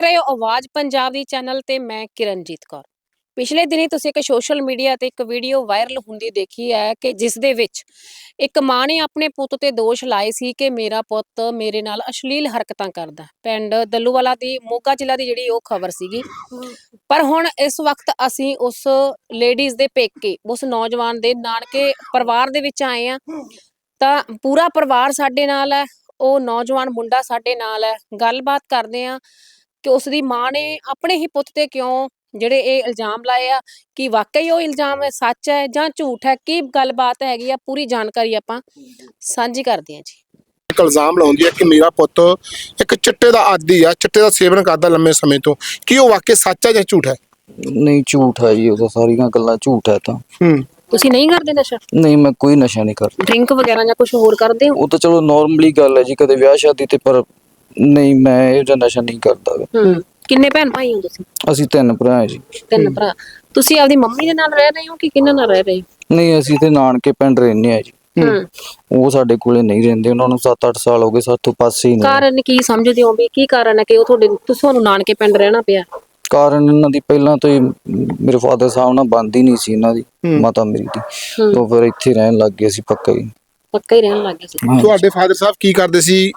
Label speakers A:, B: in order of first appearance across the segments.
A: ਰਹੇ ਹੋ ਆਵਾਜ਼ ਪੰਜਾਬ ਦੀ ਚੈਨਲ ਤੇ ਮੈਂ ਕਿਰਨਜੀਤ ਕੌਰ। ਪਿਛਲੇ ਦਿਨੀ ਤੁਸੀਂ ਇੱਕ ਸੋਸ਼ਲ ਮੀਡੀਆ ਤੇ ਇੱਕ ਵੀਡੀਓ ਵਾਇਰਲ ਹੁੰਦੀ ਦੇਖੀ ਹੈ ਕਿ ਜਿਸ ਦੇ ਵਿੱਚ ਇੱਕ ਮਾਂ ਨੇ ਆਪਣੇ ਪੁੱਤ ਤੇ ਦੋਸ਼ ਲਾਏ ਸੀ ਕਿ ਮੇਰਾ ਪੁੱਤ ਮੇਰੇ ਨਾਲ ਅਸ਼ਲੀਲ ਹਰਕਤਾਂ ਕਰਦਾ। ਪਿੰਡ ਦੱਲੂਵਾਲਾ ਦੀ ਮੋਗਾ ਜ਼ਿਲ੍ਹਾ ਦੀ ਜਿਹੜੀ ਉਹ ਖਬਰ ਸੀਗੀ। ਪਰ ਹੁਣ ਇਸ ਵਕਤ ਅਸੀਂ ਉਸ ਲੇਡੀਜ਼ ਦੇ ਪੇਕੇ, ਉਸ ਨੌਜਵਾਨ ਦੇ ਨਾਨਕੇ ਪਰਿਵਾਰ ਦੇ ਵਿੱਚ ਆਏ ਆ। ਤਾਂ ਪੂਰਾ ਪਰਿਵਾਰ ਸਾਡੇ ਨਾਲ ਹੈ, ਉਹ ਨੌਜਵਾਨ ਮੁੰਡਾ ਸਾਡੇ ਨਾਲ ਹੈ। ਗੱਲਬਾਤ ਕਰਦੇ ਆ ਕਿ ਉਸ ਦੀ ਮਾਂ ਨੇ ਆਪਣੇ ਹੀ ਪੁੱਤ ਤੇ ਕਿਉਂ ਜਿਹੜੇ ਇਹ ਇਲਜ਼ਾਮ ਲਾਏ ਆ, ਕਿ ਵਾਕਈ ਉਹ ਇਲਜ਼ਾਮ ਸੱਚ ਹੈ ਜਾਂ ਝੂਠ ਹੈ, ਕੀ ਗੱਲਬਾਤ ਹੈਗੀ ਆ, ਪੂਰੀ ਜਾਣਕਾਰੀ ਆਪਾਂ ਸਾਂਝੀ ਕਰਦੇ ਹਾਂ ਜੀ।
B: ਇੱਕ ਇਲਜ਼ਾਮ ਲਾਉਂਦੀ ਹੈ ਕਿ ਮੇਰਾ ਪੁੱਤ ਇੱਕ ਚਿੱਟੇ ਦਾ ਆਦੀ ਆ, ਚਿੱਟੇ ਦਾ ਸੇਵਨ ਕਰਦਾ ਲੰਮੇ ਸਮੇਂ ਤੋਂ। ਕੀ ਉਹ ਵਾਕਈ ਸੱਚ ਹੈ ਜਾਂ ਝੂਠ ਹੈ?
C: ਨਹੀਂ, ਝੂਠ ਹੈ ਜੀ, ਉਹ ਤਾਂ ਸਾਰੀਆਂ ਗੱਲਾਂ ਝੂਠ ਹੈ। ਤਾਂ
A: ਤੁਸੀਂ ਨਹੀਂ ਕਰਦੇ ਨਸ਼ਾ?
C: ਨਹੀਂ, ਮੈਂ ਕੋਈ ਨਸ਼ਾ ਨਹੀਂ ਕਰਦਾ।
A: ਡਰਿੰਕ ਵਗੈਰਾ ਜਾਂ ਕੁਝ ਹੋਰ ਕਰਦੇ ਹੋ?
C: ਉਹ ਤਾਂ ਚਲੋ ਨਾਰਮਲੀ ਗੱਲ ਹੈ ਜੀ, ਕਦੇ ਵਿਆਹ ਸ਼ਾਦੀ ਤੇ, ਪਰ ਨਹੀਂ, ਮੈਂ ਇਹ ਜਿਹਾ ਨਸ਼ਾ ਨਹੀਂ ਕਰਦਾ।
A: ਕਿੰਨੇ ਭੈਣ ਭਾਈ ਹੋ ਤੁਸੀਂ?
C: ਅਸੀਂ 3 ਭਰਾ ਹਾਂ ਜੀ।
A: 3 ਭਰਾ। ਤੁਸੀਂ ਆਪਦੀ ਮੰਮੀ ਦੇ ਨਾਲ ਰਹਿ ਰਹੇ ਹੋ ਕਿ ਕਿਹਨਾਂ ਨਾਲ ਰਹਿ ਰਹੇ ਹੋ?
C: ਨਹੀਂ, ਅਸੀਂ ਤੇ ਨਾਨਕੇ ਪਿੰਡ ਰਹਿੰਦੇ ਆ ਜੀ। ਉਹ ਸਾਡੇ ਕੋਲੇ ਨਹੀਂ ਰਹਿੰਦੇ, ਉਹਨਾਂ ਨੂੰ 7-8 ਸਾਲ ਹੋ ਗਏ ਸਾਥੋਂ ਪਾਸੇ ਹੀ ਨਹੀਂ।
A: ਕਾਰਨ ਕੀ ਸਮਝਦੇ ਹੋ ਵੀ ਕੀ ਕਾਰਨ ਹੈ ਕਿ ਉਹ ਤੁਹਾਨੂੰ ਨਾਨਕੇ ਪਿੰਡ ਰਹਿਣਾ ਪਿਆ?
C: ਕਾਰਨ ਇਹਨਾਂ ਦੀ ਪਹਿਲਾਂ ਤੋਂ ਹੀ ਮੇਰੇ ਫਾਦਰ ਸਾਹਿਬ ਨਾਲ ਬਣਦੀ ਨਹੀਂ ਸੀ, ਇਹਨਾਂ ਦੀ ਮਾਤਾ ਮੇਰੀ ਦੀ। ਉਹ ਫਿਰ ਇੱਥੇ ਰਹਿਣ ਲੱਗ ਗਏ ਸੀ, ਪੱਕਾ ਹੀ
A: ਰਹਿਣ ਲੱਗ ਗਏ ਸੀ।
B: ਤੁਹਾਡੇ ਫਾਦਰ ਸਾਹਿਬ ਕੀ ਕਰਦੇ ਸੀ?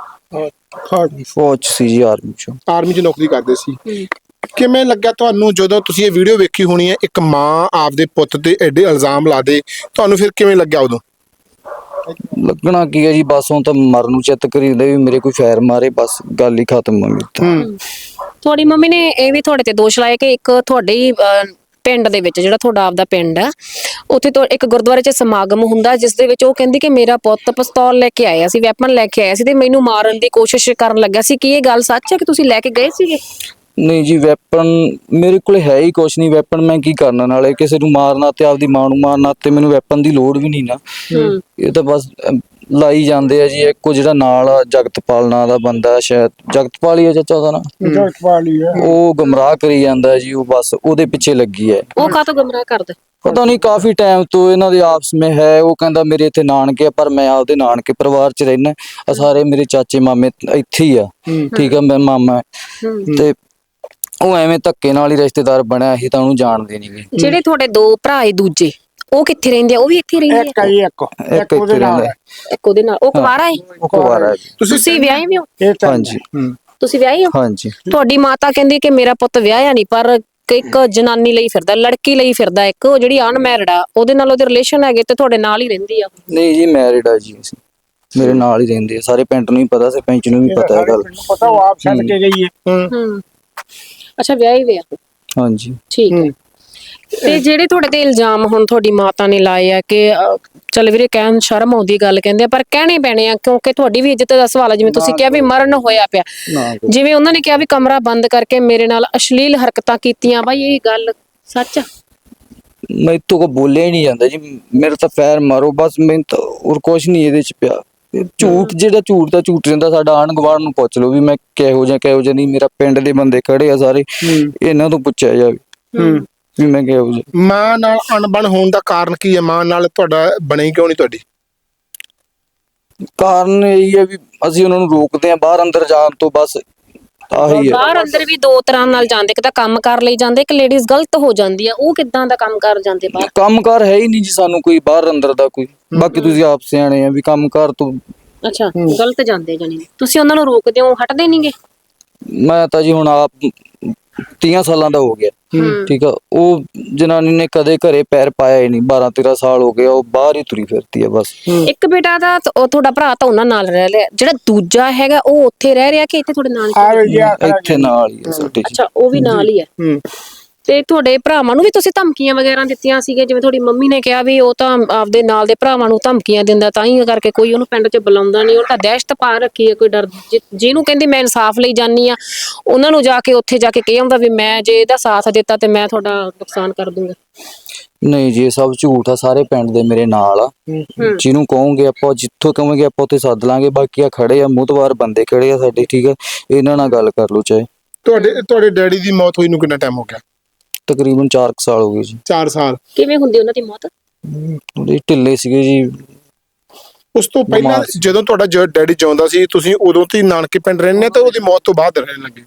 C: ਫੌਜ ਸੀ ਜੀ, ਆਰਮੀ ਚ
B: ਨੌਕਰੀ ਕਰਦੇ ਸੀ। ਕਿਵੇਂ ਲੱਗਿਆ ਤੁਹਾਨੂੰ ਜਦੋਂ ਤੁਸੀਂ ਇਹ ਵੀਡੀਓ ਵੇਖੀ ਹੋਣੀ ਹੈ, ਇੱਕ ਮਾਂ ਆਪਦੇ ਪੁੱਤ ਤੇ ਐਡੇ ਇਲਜ਼ਾਮ ਲਾ ਦੇ, ਤੁਹਾਨੂੰ ਫਿਰ ਕਿਵੇਂ ਲੱਗਿਆ ਉਦੋਂ?
C: ਲੱਗਣਾ ਕੀ ਹੈ ਜੀ, ਬਸ ਹੁਣ ਤਾਂ ਮਰਨ ਨੂੰ ਚਿੱਤ ਕਰੀਦਾ ਵੀ ਮੇਰੇ ਕੋਈ ਫੈਰ ਮਾਰੇ, ਬਸ ਗੱਲ ਹੀ ਖਤਮ ਹੋ ਗਈ।
A: ਤੁਹਾਡੀ ਮੰਮੀ ਨੇ ਇਹ ਵੀ ਤੁਹਾਡੇ ਤੇ ਦੋਸ਼ ਲਾਇਆ ਕਿ ਇੱਕ ਤੁਹਾਡੇ ਹੀ ਪਿੰਡ ਦੇ ਵਿੱਚ, ਜਿਹੜਾ ਤੁਹਾਡਾ ਆਪਦਾ ਪਿੰਡ ਆ, ਉੱਥੇ ਤੋਂ ਇੱਕ ਗੁਰਦੁਆਰੇ 'ਚ ਸਮਾਗਮ ਹੁੰਦਾ, ਜਿਸ ਦੇ ਵਿੱਚ ਉਹ ਕਹਿੰਦੀ ਕਿ ਮੇਰਾ ਪੁੱਤ ਪਿਸਤੌਲ ਲੈ ਕੇ ਆਇਆ ਸੀ, ਵੈਪਨ ਲੈ ਕੇ ਆਇਆ ਸੀ ਤੇ ਮੈਨੂੰ ਮਾਰਨ ਦੀ ਕੋਸ਼ਿਸ਼ ਕਰਨ ਲੱਗਾ ਸੀ। ਕੀ ਇਹ ਗੱਲ ਸੱਚ ਹੈ ਕਿ ਤੁਸੀਂ ਲੈ ਕੇ ਗਏ ਸੀਗੇ?
C: ਨਹੀਂ ਜੀ, ਵੈਪਨ ਮੇਰੇ ਕੋਲ ਹੈ ਹੀ ਕੁਛ ਨਹੀਂ। ਵੈਪਨ ਮੈਂ ਕੀ ਕਰਨਾ, ਨਾਲੇ ਕਿਸੇ ਨੂੰ ਮਾਰਨਾ ਤੇ ਆਪਦੀ ਮਾਂ ਨੂੰ ਮਾਰਨਾ, ਤੇ ਮੈਨੂੰ ਵੈਪਨ ਦੀ ਲੋੜ ਵੀ ਨਹੀਂ ਨਾ। ਇਹ ਤਾਂ ਬਸ ਲਾਈ ਜਾਂਦੇ ਆ ਜੀ। ਇੱਕੋ ਜਿਹੜਾ ਨਾਲ ਆ ਜਗਤਪਾਲ ਨਾਂ ਦਾ ਬੰਦਾ, ਸ਼ਾਇਦ ਜਗਤਪਾਲ ਹੀ ਆ ਚਾਚਾ ਉਹਦਾ ਨਾਂ,
B: ਜਗਤਪਾਲ ਹੀ ਹੈ,
C: ਉਹ ਗੁੰਮਰਾਹ ਕਰੀ ਜਾਂਦਾ ਜੀ। ਉਹ ਬਸ ਉਹਦੇ ਪਿੱਛੇ ਲੱਗੀ ਹੈ।
A: ਉਹ ਕਾਹਤੋਂ ਗੁੰਮਰਾਹ ਕਰਦਾ?
C: ਪਤਾ ਨਹੀਂ, ਕਾਫੀ ਟਾਈਮ ਤੋਂ ਇਹਨਾਂ ਦੇ ਆਪਸ ਵਿੱਚ ਹੈ। ਉਹ ਕਹਿੰਦਾ ਮੇਰੇ ਇੱਥੇ ਨਾਨਕੇ ਆ, ਪਰ ਮੈਂ ਆਪਦੇ ਨਾਨਕੇ ਪਰਿਵਾਰ 'ਚ ਰਹਿਣਾ। ਸਾਰੇ ਮੇਰੇ ਚਾਚੇ ਮਾਮੇ ਇੱਥੇ ਹੀ ਆ, ਠੀਕ ਆ, ਮੈਂ ਮਾਮਾ ਤੇ ਉਹ ਐਵੇਂ ਧੱਕੇ ਨਾਲ ਹੀ ਰਿਸ਼ਤੇਦਾਰ ਬਣਿਆ ਸੀ, ਤਾਂ ਉਹਨੂੰ ਜਾਣਦੇ ਨਹੀਂ ਗਏ।
A: ਜਿਹੜੇ ਤੁਹਾਡੇ 2 ਭਰਾ ਏ ਦੂਜੇ, ਉਹ ਕਿੱਥੇ ਰਹਿੰਦੇ ਆ? ਉਹ ਵੀ ਇੱਥੇ ਰਹਿੰਦੇ ਆ?
C: ਇੱਕ ਉਹਦੇ ਨਾਲ।
A: ਇੱਕ ਉਹਦੇ ਨਾਲ। ਉਹ ਕੁਵਾਰਾ ਹੈ? ਤੁਸੀਂ ਵਿਆਹੇ ਵੀ ਹੋ?
C: ਹਾਂਜੀ।
A: ਤੁਸੀਂ ਵਿਆਹੇ ਹੋ?
C: ਹਾਂਜੀ।
A: ਤੁਹਾਡੀ ਮਾਤਾ ਕਹਿੰਦੀ ਕਿ ਮੇਰਾ ਪੁੱਤ ਵਿਆਹਿਆ ਨਹੀਂ, ਪਰ ਇੱਕ ਜਨਾਨੀ ਲਈ ਫਿਰਦਾ, ਲੜਕੀ ਲਈ ਫਿਰਦਾ, ਇੱਕ ਉਹ ਜਿਹੜੀ ਅਨਮੈਰਿਡ ਆ, ਉਹਦੇ ਨਾਲ ਉਹਦੇ ਰਿਲੇਸ਼ਨ ਹੈਗੇ ਤੇ ਤੁਹਾਡੇ ਨਾਲ ਹੀ ਰਹਿੰਦੀ ਆ?
C: ਨਹੀਂ ਜੀ, ਮੈਰਿਡ ਆ ਜੀ। ਅਸੀਂ ਮੇਰੇ ਨਾਲ ਹੀ ਰਹਿੰਦੇ ਆ, ਸਾਰੇ ਪਿੰਡ ਨੂੰ ਹੀ ਪਤਾ, ਸਰਪੰਚ ਨੂੰ ਵੀ ਪਤਾ ਹੈ ਗੱਲ।
B: ਪਤਾ, ਉਹ ਆਪ ਛੱਡ ਕੇ ਗਈ ਹੈ।
A: ਅੱਛਾ, ਵਿਆਹੀ ਵੇ ਆ?
C: ਹਾਂਜੀ,
A: ਠੀਕ ਹੈ। ਤੇ ਜਿਹੜੇ ਤੁਹਾਡੇ ਤੇ ਇਲਜ਼ਾਮ ਹੁਣ ਤੁਹਾਡੀ ਮਾਤਾ ਨੇ ਲਾਏ ਆ ਕਿ ਚੱਲ ਵੀਰੇ, ਕਹਿਣ ਸ਼ਰਮ ਆਉਂਦੀ ਗੱਲ ਕਹਿੰਦੇ ਆ, ਪਰ ਕਹਿਣੇ ਪੈਣੇ ਆ ਕਿਉਂਕਿ ਤੁਹਾਡੀ ਵੀ ਇੱਜ਼ਤ ਦਾ ਸਵਾਲ ਹੈ। ਜਿਵੇਂ ਤੁਸੀਂ ਕਿਹਾ ਵੀ ਮਰਨ ਹੋਇਆ ਪਿਆ, ਜਿਵੇਂ ਉਹਨਾਂ ਨੇ ਕਿਹਾ ਵੀ ਕਮਰਾ ਬੰਦ ਕਰਕੇ ਮੇਰੇ ਨਾਲ ਅਸ਼ਲੀਲ ਹਰਕਤਾਂ ਕੀਤੀਆਂ, ਬਾਈ ਇਹ ਗੱਲ ਸੱਚ ਆ?
C: ਮੈਥੋਂ ਕੋ ਬੋਲਿਆ ਹੀ ਨਹੀਂ ਜਾਂਦਾ ਜੀ। ਮੇਰੇ ਤਾਂ ਪੈਰ ਮਾਰੋ ਬਸ, ਮੈਨੂੰ ਤਾਂ ਹੋਰ ਕੁਛ ਨਹੀਂ ਇਹਦੇ 'ਚ ਪਿਆ। ਝੂਠ ਜਿਹੜਾ ਝੂਠ ਦਾ ਝੂਠ ਰਹਿੰਦਾ। ਸਾਡਾ ਆਂਢ ਗੁਆਂਢ ਨੂੰ ਪੁੱਛ ਲਓ ਵੀ ਮੈਂ ਕਿਹੋ ਜਿਹਾ ਨਹੀਂ। ਮੇਰਾ ਪਿੰਡ ਦੇ ਬੰਦੇ ਖੜੇ ਆ ਸਾਰੇ, ਇਹਨਾਂ ਤੋਂ ਪੁੱਛਿਆ ਜਾਵੇ ਵੀ ਮੈਂ ਕਿਹੋ ਜਿਹਾ।
B: ਮਾਂ ਨਾਲ ਅਣਬਣ ਹੋਣ ਦਾ ਕਾਰਨ ਕੀ ਹੈ? ਮਾਂ ਨਾਲ ਤੁਹਾਡਾ ਬਣੀ ਕਿਉਂ ਨਹੀਂ ਤੁਹਾਡੀ?
C: ਕਾਰਨ ਇਹ ਹੈ ਵੀ ਅਸੀਂ ਉਹਨਾਂ ਨੂੰ ਰੋਕਦੇ ਆ ਬਾਹਰ ਅੰਦਰ ਜਾਣ ਤੋਂ, ਬਸ ਆਹੀ ਹੈ।
A: ਬਾਹਰ ਅੰਦਰ ਵੀ 2 ਤਰ੍ਹਾਂ ਨਾਲ ਜਾਂਦੇ, ਇੱਕ ਤਾਂ ਕੰਮ ਕਰ ਲਈ ਜਾਂਦੇ, ਇੱਕ ਲੇਡੀਜ਼ ਗਲਤ ਹੋ ਜਾਂਦੀ ਆ। ਉਹ ਕਿੱਦਾਂ ਦਾ ਕੰਮ ਕਰ ਜਾਂਦੇ ਬਾਹਰ?
C: ਕੰਮ ਕਾਰ ਹੈ ਹੀ ਨਹੀਂ ਜੀ ਸਾਨੂੰ ਕੋਈ ਬਾਹਰ ਅੰਦਰ ਦਾ ਕੋਈ। ਬਾਕੀ ਤੁਸੀਂ ਆਪ ਸਿਆਣੇ ਆ ਵੀ ਕੰਮ ਕਾਰ ਤੋਂ।
A: ਅੱਛਾ, ਗਲਤ ਜਾਂਦੇ ਜਾਨੀ ਤੁਸੀਂ ਉਹਨਾਂ ਨੂੰ ਰੋਕਦੇ ਹੋ, ਹਟਦੇ ਨਹੀਂਗੇ?
C: ਮੈਂ ਤਾਂ ਜੀ ਹੁਣ ਆਪ 30 ਸਾਲਾਂ ਦਾ ਹੋ ਗਿਆ, ਠੀਕ ਆ। ਉਹ ਜਨਾਨੀ ਨੇ ਕਦੇ ਘਰੇ ਪੈਰ ਪਾਇਆ ਹੀ ਨਹੀਂ, 12-13 ਸਾਲ ਹੋ ਗਏ, ਉਹ ਬਾਹਰ ਹੀ ਤੁਰੀ ਫਿਰਦੀ ਆ ਬਸ। ਇੱਕ
A: ਬੇਟਾ ਦਾ ਤੁਹਾਡਾ ਭਰਾ ਤਾਂ ਉਹਨਾਂ ਨਾਲ ਰਹਿ ਲਿਆ, ਜਿਹੜਾ ਦੂਜਾ ਹੈਗਾ ਉਹ ਉੱਥੇ ਰਹਿ ਰਿਹਾ ਕਿ ਇੱਥੇ ਤੁਹਾਡੇ ਨਾਲ?
C: ਇੱਥੇ ਨਾਲ ਹੀ ਆ ਸਾਡੇ।
A: ਅੱਛਾ, ਉਹ ਵੀ ਨਾਲ ਹੀ ਹੈ। ਤੇ ਤੁਹਾਡੇ ਭਰਾਵਾਂ ਨੂੰ ਵੀ ਤੁਸੀਂ ਧਮਕੀਆਂ ਵਗੈਰਾ ਦਿੱਤੀਆਂ ਸੀਗੇ? ਜਿਵੇਂ ਤੁਹਾਡੀ ਮੰਮੀ ਨੇ ਕਿਹਾ ਵੀ ਉਹ ਤਾਂ ਆਪਦੇ ਨਾਲ ਦੇ ਭਰਾਵਾਂ ਨੂੰ ਧਮਕੀਆਂ ਦਿੰਦਾ, ਤਾਂ ਹੀ ਕਰਕੇ ਕੋਈ ਉਹਨੂੰ ਪਿੰਡ 'ਚ ਬੁਲਾਉਂਦਾ ਨਹੀਂ। ਉਹ ਤਾਂ ਦਹਿਸ਼ਤ ਪਾ ਰੱਖੀ ਹੈ, ਕੋਈ ਡਰ। ਜਿਹਨੂੰ ਕਹਿੰਦੀ ਮੈਂ ਇਨਸਾਫ ਲਈ ਜਾਨੀ ਆ, ਉਹਨਾਂ ਨੂੰ ਜਾ ਕੇ ਉੱਥੇ ਜਾ ਕੇ ਕਹਿ ਆਉਂਦਾ ਵੀ ਮੈਂ ਜੇ ਇਹਦਾ ਸਾਥ ਦਿੱਤਾ ਤੇ ਮੈਂ ਤੁਹਾਡਾ ਨੁਕਸਾਨ ਕਰ ਦੂੰਗਾ।
C: ਨਹੀਂ ਜੀ, ਇਹ ਸਭ ਝੂਠ ਆ। ਸਾਰੇ ਪਿੰਡ ਦੇ ਮੇਰੇ ਨਾਲ ਆ। ਜਿਹਨੂੰ ਕਹੋਗੇ ਆਪਾਂ, ਜਿੱਥੋਂ ਕਹੋਗੇ ਆਪਾਂ ਉੱਥੇ ਸੱਦ ਲਾਂਗੇ। ਬਾਕੀ ਆ ਖੜੇ ਆ, ਮੂੰਹਤਵਾਰ ਬੰਦੇ ਖੜੇ ਆ ਸਾਡੇ, ਠੀਕ ਆ। ਇਹਨਾਂ ਨਾਲ ਗੱਲ ਕਰ ਲਓ ਚਾਹੇ।
B: ਤੁਹਾਡੇ ਡੈਡੀ ਦੀ ਮੌਤ ਹੋਈ ਨੂੰ ਕਿੰਨਾ ਟਾਈਮ ਹੋ ਗਿਆ?
C: ਤਕਰੀਬਨ 4 ਸਾਲ ਹੋ ਗਏ ਜੀ।
B: 4 ਸਾਲ।
A: ਕਿਵੇਂ ਹੁੰਦੀ ਉਹਨਾਂ ਦੀ ਮੌਤ?
C: ਢਿੱਲੇ ਸੀਗੇ ਜੀ।
B: ਉਸ ਤੋਂ ਪਹਿਲਾਂ ਜਦੋਂ ਤੁਹਾਡਾ ਡੈਡੀ ਜਿਉਂਦਾ ਸੀ, ਤੁਸੀਂ ਉਦੋਂ ਤੇ ਨਾਨਕੇ ਪਿੰਡ ਰਹਿੰਦੇ ਤੇ ਉਹਦੀ ਮੌਤ ਤੋਂ ਬਾਅਦ ਰਹਿਣ ਲੱਗੇ?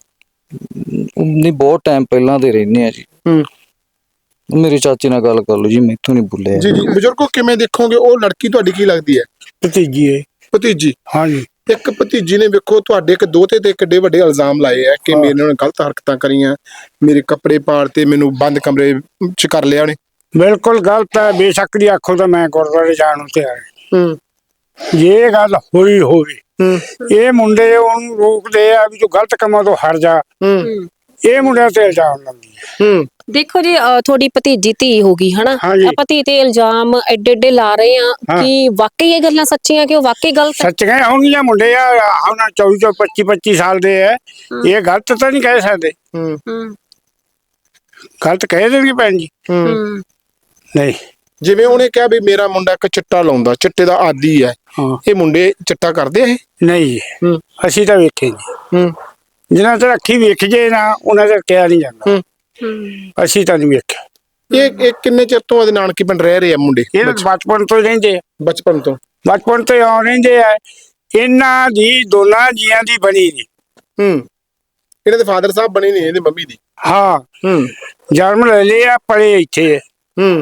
C: ਨਹੀਂ ਬਹੁਤ ਟਾਈਮ ਪਹਿਲਾਂ ਦੇ ਰਹਿੰਦੇ ਆ ਜੀ।
B: ਹੂੰ
C: ਮੇਰੇ ਚਾਚੇ ਨਾਲ ਗੱਲ ਕਰ ਲਓ ਜੀ, ਮੈਥੋਂ ਨਹੀਂ ਬੋਲਿਆ।
B: ਜੀ ਜੀ ਬਜ਼ੁਰਗੋ, ਕਿਵੇਂ ਦੇਖੋਗੇ ਉਹ ਲੜਕੀ ਤੁਹਾਡੀ ਕੀ ਲੱਗਦੀ ਹੈ?
D: ਭਤੀਜੀ ਹੈ।
B: ਭਤੀਜੀ?
D: ਹਾਂਜੀ।
B: ਇੱਕ ਭਤੀਜੀ ਨੇ ਵੇਖੋ ਤੁਹਾਡੇ ਇੱਕ ਦੋਹਤੇ ਤੇ ਕਿੱਡੇ ਵੱਡੇ ਇਲਜ਼ਾਮ ਲਾਏ ਆ ਕਿ ਮੇਰੇ ਨਾਲ ਗਲਤ ਹਰਕਤਾਂ ਕਰੀਆਂ, ਮੇਰੇ ਕੱਪੜੇ ਪਾੜਤੇ, ਮੈਨੂੰ ਬੰਦ ਕਮਰੇ ਚ ਕਰ ਲਿਆ ਉਹਨੇ।
D: ਬਿਲਕੁਲ ਗਲਤ ਹੈ। ਬੇਸ਼ੱਕ ਦੀ ਆਖੋ ਤਾਂ ਮੈਂ ਗੁਰਦੁਆਰੇ ਜਾਣ ਨੂੰ ਤਿਆਰ ਹਾਂ।
B: ਹੂੰ
D: ਜੇ ਇਹ ਗੱਲ ਹੋਈ ਹੋਵੇ,
B: ਹੂੰ
D: ਇਹ ਮੁੰਡੇ ਉਹਨੂੰ ਰੋਕਦੇ ਆ ਵੀ ਤੂੰ ਗਲਤ ਕੰਮਾਂ ਤੋਂ ਹਟ ਜਾ,
B: ਹੂੰ
D: ਇਹ ਮੁੰਡਿਆਂ ਤੇ ਇਲਜ਼ਾਮ ਲਾਉਂਦੀ ਹੈ।
B: ਹੂੰ
A: ਦੇਖੋ ਜੀ, ਤੁਹਾਡੀ ਭਤੀਜੀ ਧੀ ਹੋ ਗਈ ਹਨਾ,
D: ਹਾਂਜੀ।
A: ਆਪਾਂ ਧੀ ਤੇ ਇਲਜ਼ਾਮ ਐਡੇ ਐਡੇ ਲਾ ਰਹੇ ਆ
D: ਹਾਂ।
A: ਕਿ ਵਾਕਈ ਇਹ ਗੱਲਾਂ ਸੱਚੀਆਂ, ਕਿ ਉਹ ਵਾਕਈ ਗਲਤ ਹੈ?
D: ਸੱਚ ਕਹੇ ਹੋਣਗੀਆਂ, ਮੁੰਡੇ ਆ ਹੁਣ 24 25 ਸਾਲ ਦੇ ਆ, ਇਹ ਗਲਤ ਤਾਂ ਨਹੀਂ ਕਹਿ ਸਕਦੇ।
B: ਹੂੰ
A: ਹੂੰ
D: ਗਲਤ ਕਹਿ ਦੇਣਗੇ ਭੈਣ ਜੀ।
A: ਹੂੰ
D: ਨਹੀਂ।
B: ਜਿਵੇਂ ਉਹਨੇ ਕਿਹਾ ਵੀ ਮੇਰਾ ਮੁੰਡਾ ਇੱਕ ਚਿੱਟਾ ਲਾਉਂਦਾ, ਚਿੱਟੇ ਦਾ ਆਦੀ ਹੈ,
D: ਹਾਂ।
B: ਇਹ ਮੁੰਡੇ ਚਿੱਟਾ ਕਰਦੇ ਆ ਇਹ?
D: ਨਹੀਂ ਜੀ,
B: ਹੂੰ
D: ਅਸੀਂ ਤਾਂ ਵੇਖੇ ਨਹੀਂ।
B: ਹੂੰ
D: ਜਿਨ੍ਹਾਂ ਤੇ ਅੱਖੀ ਵੇਖ ਜੇ ਨਾ, ਉਹਨਾਂ ਤੇ ਕਿਹਾ ਨਹੀਂ ਜਾਂਦਾ।
B: ਹੂੰ
A: ਹੂੰ
D: ਅਸੀਂ ਤਾਂ ਨਹੀਂ ਵੇਖਿਆ।
B: ਇਹ ਕਿੰਨੇ ਚਿਰ ਤੋਂ ਉਹਦੇ ਨਾਨਕੀ ਪਿੰਡ ਰਹਿ ਰਹੇ ਆ ਮੁੰਡੇ?
D: ਇਹ ਤਾਂ ਬਚਪਨ ਤੋਂ ਹੀ ਰਹਿੰਦੇ ਆ।
B: ਬਚਪਨ ਤੋਂ?
D: ਬਚਪਨ ਤੋਂ ਆ ਰਹਿੰਦੇ ਆ। ਇਹਨਾਂ ਦੀ ਦੋਨਾਂ ਜੀਆਂ ਦੀ ਬਣੀ ਨਹੀਂ।
B: ਹੂੰ ਇਹਨਾਂ ਦੇ ਫਾਦਰ ਸਾਹਿਬ ਬਣੇ ਨਹੀਂ, ਇਹਦੀ ਮੰਮੀ ਦੀ।
D: ਹਾਂ।
B: ਹੂੰ
D: ਜਨਮ ਲੈ ਲਿਆ, ਪਲੇ ਇੱਥੇ ਹੈ।
B: ਹੂੰ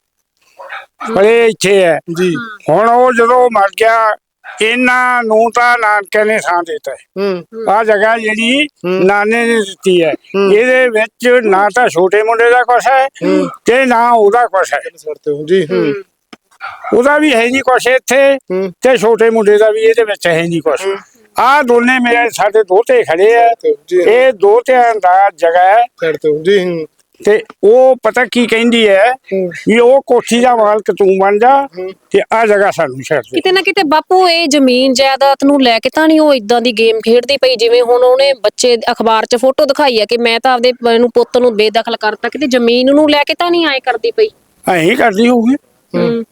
D: ਪਲੇ ਇੱਥੇ ਹੈ।
B: ਜੀ।
D: ਹੁਣ ਉਹ ਜਦੋਂ ਮਰ ਗਿਆ, ਇਹਨਾਂ ਨੂੰ ਤਾਂ ਨਾਨਕੇ ਨੇ ਥਾਂ ਦਿੱਤਾ ਹੈ।
B: ਹੂੰ
D: ਆਹ ਜਗ੍ਹਾ ਜਿਹੜੀ
B: ਹੂੰ।
D: ਨਾਨੇ ਨੇ ਦਿੱਤੀ ਹੈ,
B: ਹੂੰ।
D: ਇਹਦੇ ਵਿੱਚ ਨਾ ਤਾਂ ਛੋਟੇ ਮੁੰਡੇ ਦਾ ਕੁਛ ਹੈ ਤੇ ਨਾ ਉਹਦਾ ਕੁਛ ਹੈ।
B: ਜੀ। ਹੂੰ
D: ਉਹਦਾ ਵੀ ਹੈ ਨਹੀਂ ਕੁਛ ਇੱਥੇ,
B: ਹੂੰ
D: ਤੇ ਛੋਟੇ ਮੁੰਡੇ ਦਾ ਵੀ ਇਹਦੇ ਵਿੱਚ ਹੈ ਨਹੀਂ ਕੁਛ। ਆਹ ਦੋਨੇ ਮੇਰੇ ਸਾਡੇ ਦੋਤੇ ਖੜੇ ਆ,
B: ਜੀ।
D: ਇਹ ਦੋਤਿਆਂ ਦਾ ਜਗ੍ਹਾ ਹੈ।
B: ਛੱਡ ਦਿਓ ਜੀ। ਹੂੰ
D: ਤੇ ਉਹ ਪਤਾ ਕੀ ਕਹਿੰਦੀ ਹੈ ਵੀ ਉਹ ਕੋਠੀ ਦਾ ਮਾਲਕ ਤੂੰ ਬਣ ਜਾ ਤੇ ਆ ਜਗ੍ਹਾ ਸਾਨੂੰ ਛੱਡ ਦੇ।
A: ਕਿਤੇ ਨਾ ਕਿਤੇ ਬਾਪੂ ਇਹ ਜ਼ਮੀਨ ਜਾਇਦਾਦ ਨੂੰ ਲੈ ਕੇ ਤਾਂ ਨਹੀਂ ਉਹ ਇਦਾਂ ਦੀ ਗੇਮ ਖੇਡਦੀ ਪਈ, ਜਿਵੇਂ ਹੁਣ ਉਹਨੇ ਬੱਚੇ ਅਖਬਾਰ 'ਚ ਫੋਟੋ ਦਿਖਾਈ ਹੈ ਕਿ ਮੈਂ ਤਾਂ ਆਪਦੇ ਨੂੰ ਪੁੱਤ ਨੂੰ ਬੇਦਖਲ ਕਰਤਾ, ਕਿਤੇ ਜ਼ਮੀਨ ਨੂੰ ਲੈ ਕੇ ਤਾਂ ਨਹੀਂ ਆਏ ਕਰਦੀ ਪਈ?
D: ਐਂ ਕਰਦੀ ਹੋਊਗੀ।
A: ਹੂੰ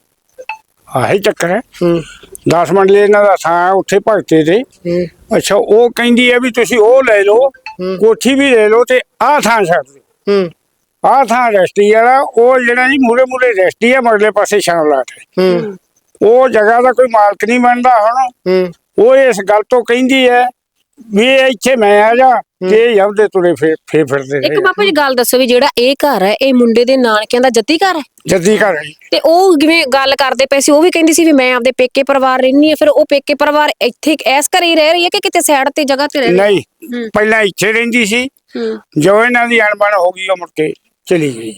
D: ਆਹੀ ਚੱਕਰ ਹੈ।
B: ਹੂੰ
D: 10 ਮੰਡਲੇ ਇਹਨਾਂ ਦਾ ਥਾਂ ਉੱਥੇ ਭਗਤੇ ਤੇ।
B: ਹੂੰ
D: ਅੱਛਾ, ਉਹ ਕਹਿੰਦੀ ਹੈ ਵੀ ਤੁਸੀਂ ਉਹ ਲੈ ਲਓ, ਕੋਠੀ ਵੀ ਲੈ ਲਓ ਤੇ ਆਹ ਥਾਂ ਛੱਡ ਦਿਓ।
B: ਹੂੰ
D: ਆਹ ਥਾਂ ਰੈਸਟੀ ਵਾਲਾ, ਉਹ ਜਿਹੜਾ ਜੀ ਮੂਰੇ ਮੂਰੇ ਰੈਸਟੀ ਹੈ, ਮਗਲੇ ਪਾਸੇ ਸ਼ਾਮਲਾਟ ਹੈ।
B: ਹੂੰ
D: ਉਹ ਜਗ੍ਹਾ ਦਾ ਕੋਈ ਮਾਲਕ ਨਹੀਂ ਬਣਦਾ। ਹੁਣ
B: ਹੂੰ
D: ਉਹ ਇਸ ਗੱਲ ਤੋਂ ਕਹਿੰਦੀ ਹੈ ਵੀ ਇੱਥੇ ਮੈਂ ਆ ਜਾ ਤੇ ਜਾਂਦੇ ਤੁਰੇ ਫਿਰਦੇ
A: ਇੱਕ ਬਾਪੂ ਜੀ ਗੱਲ ਦੱਸੋ ਵੀ ਜਿਹੜਾ ਇਹ ਘਰ ਹੈ, ਇਹ ਮੁੰਡੇ ਦੇ ਨਾਨਕਿਆਂ ਦਾ ਜੱਦੀ ਘਰ ਹੈ?
D: ਜੱਦੀ ਘਰ ਹੈ।
A: ਤੇ ਉਹ ਜਿਵੇਂ ਗੱਲ ਕਰਦੇ ਪਏ ਸੀ, ਉਹ ਵੀ ਕਹਿੰਦੀ ਸੀ ਵੀ ਮੈਂ ਆਪਦੇ ਪੇਕੇ ਪਰਿਵਾਰ ਰਹਿੰਦੀ ਆ, ਫਿਰ ਉਹ ਪੇਕੇ ਪਰਿਵਾਰ ਇੱਥੇ ਇਸ ਘਰੇ ਹੀ ਰਹਿ ਰਹੀ ਹੈ ਕਿ ਕਿਤੇ ਸਾਈਡ ਤੇ ਜਗ੍ਹਾ ਤੇ ਰਹਿ ਰਹੀ ਹੈ?
D: ਨਹੀਂ, ਪਹਿਲਾਂ ਇੱਥੇ ਰਹਿੰਦੀ ਸੀ,
A: ਹੂੰ
D: ਜੋ ਇਹਨਾਂ ਦੀ ਅਣਬਣ ਹੋ ਗਈ ਉਹ ਮੁੜ ਕੇ ਚਲੀ ਗਈ।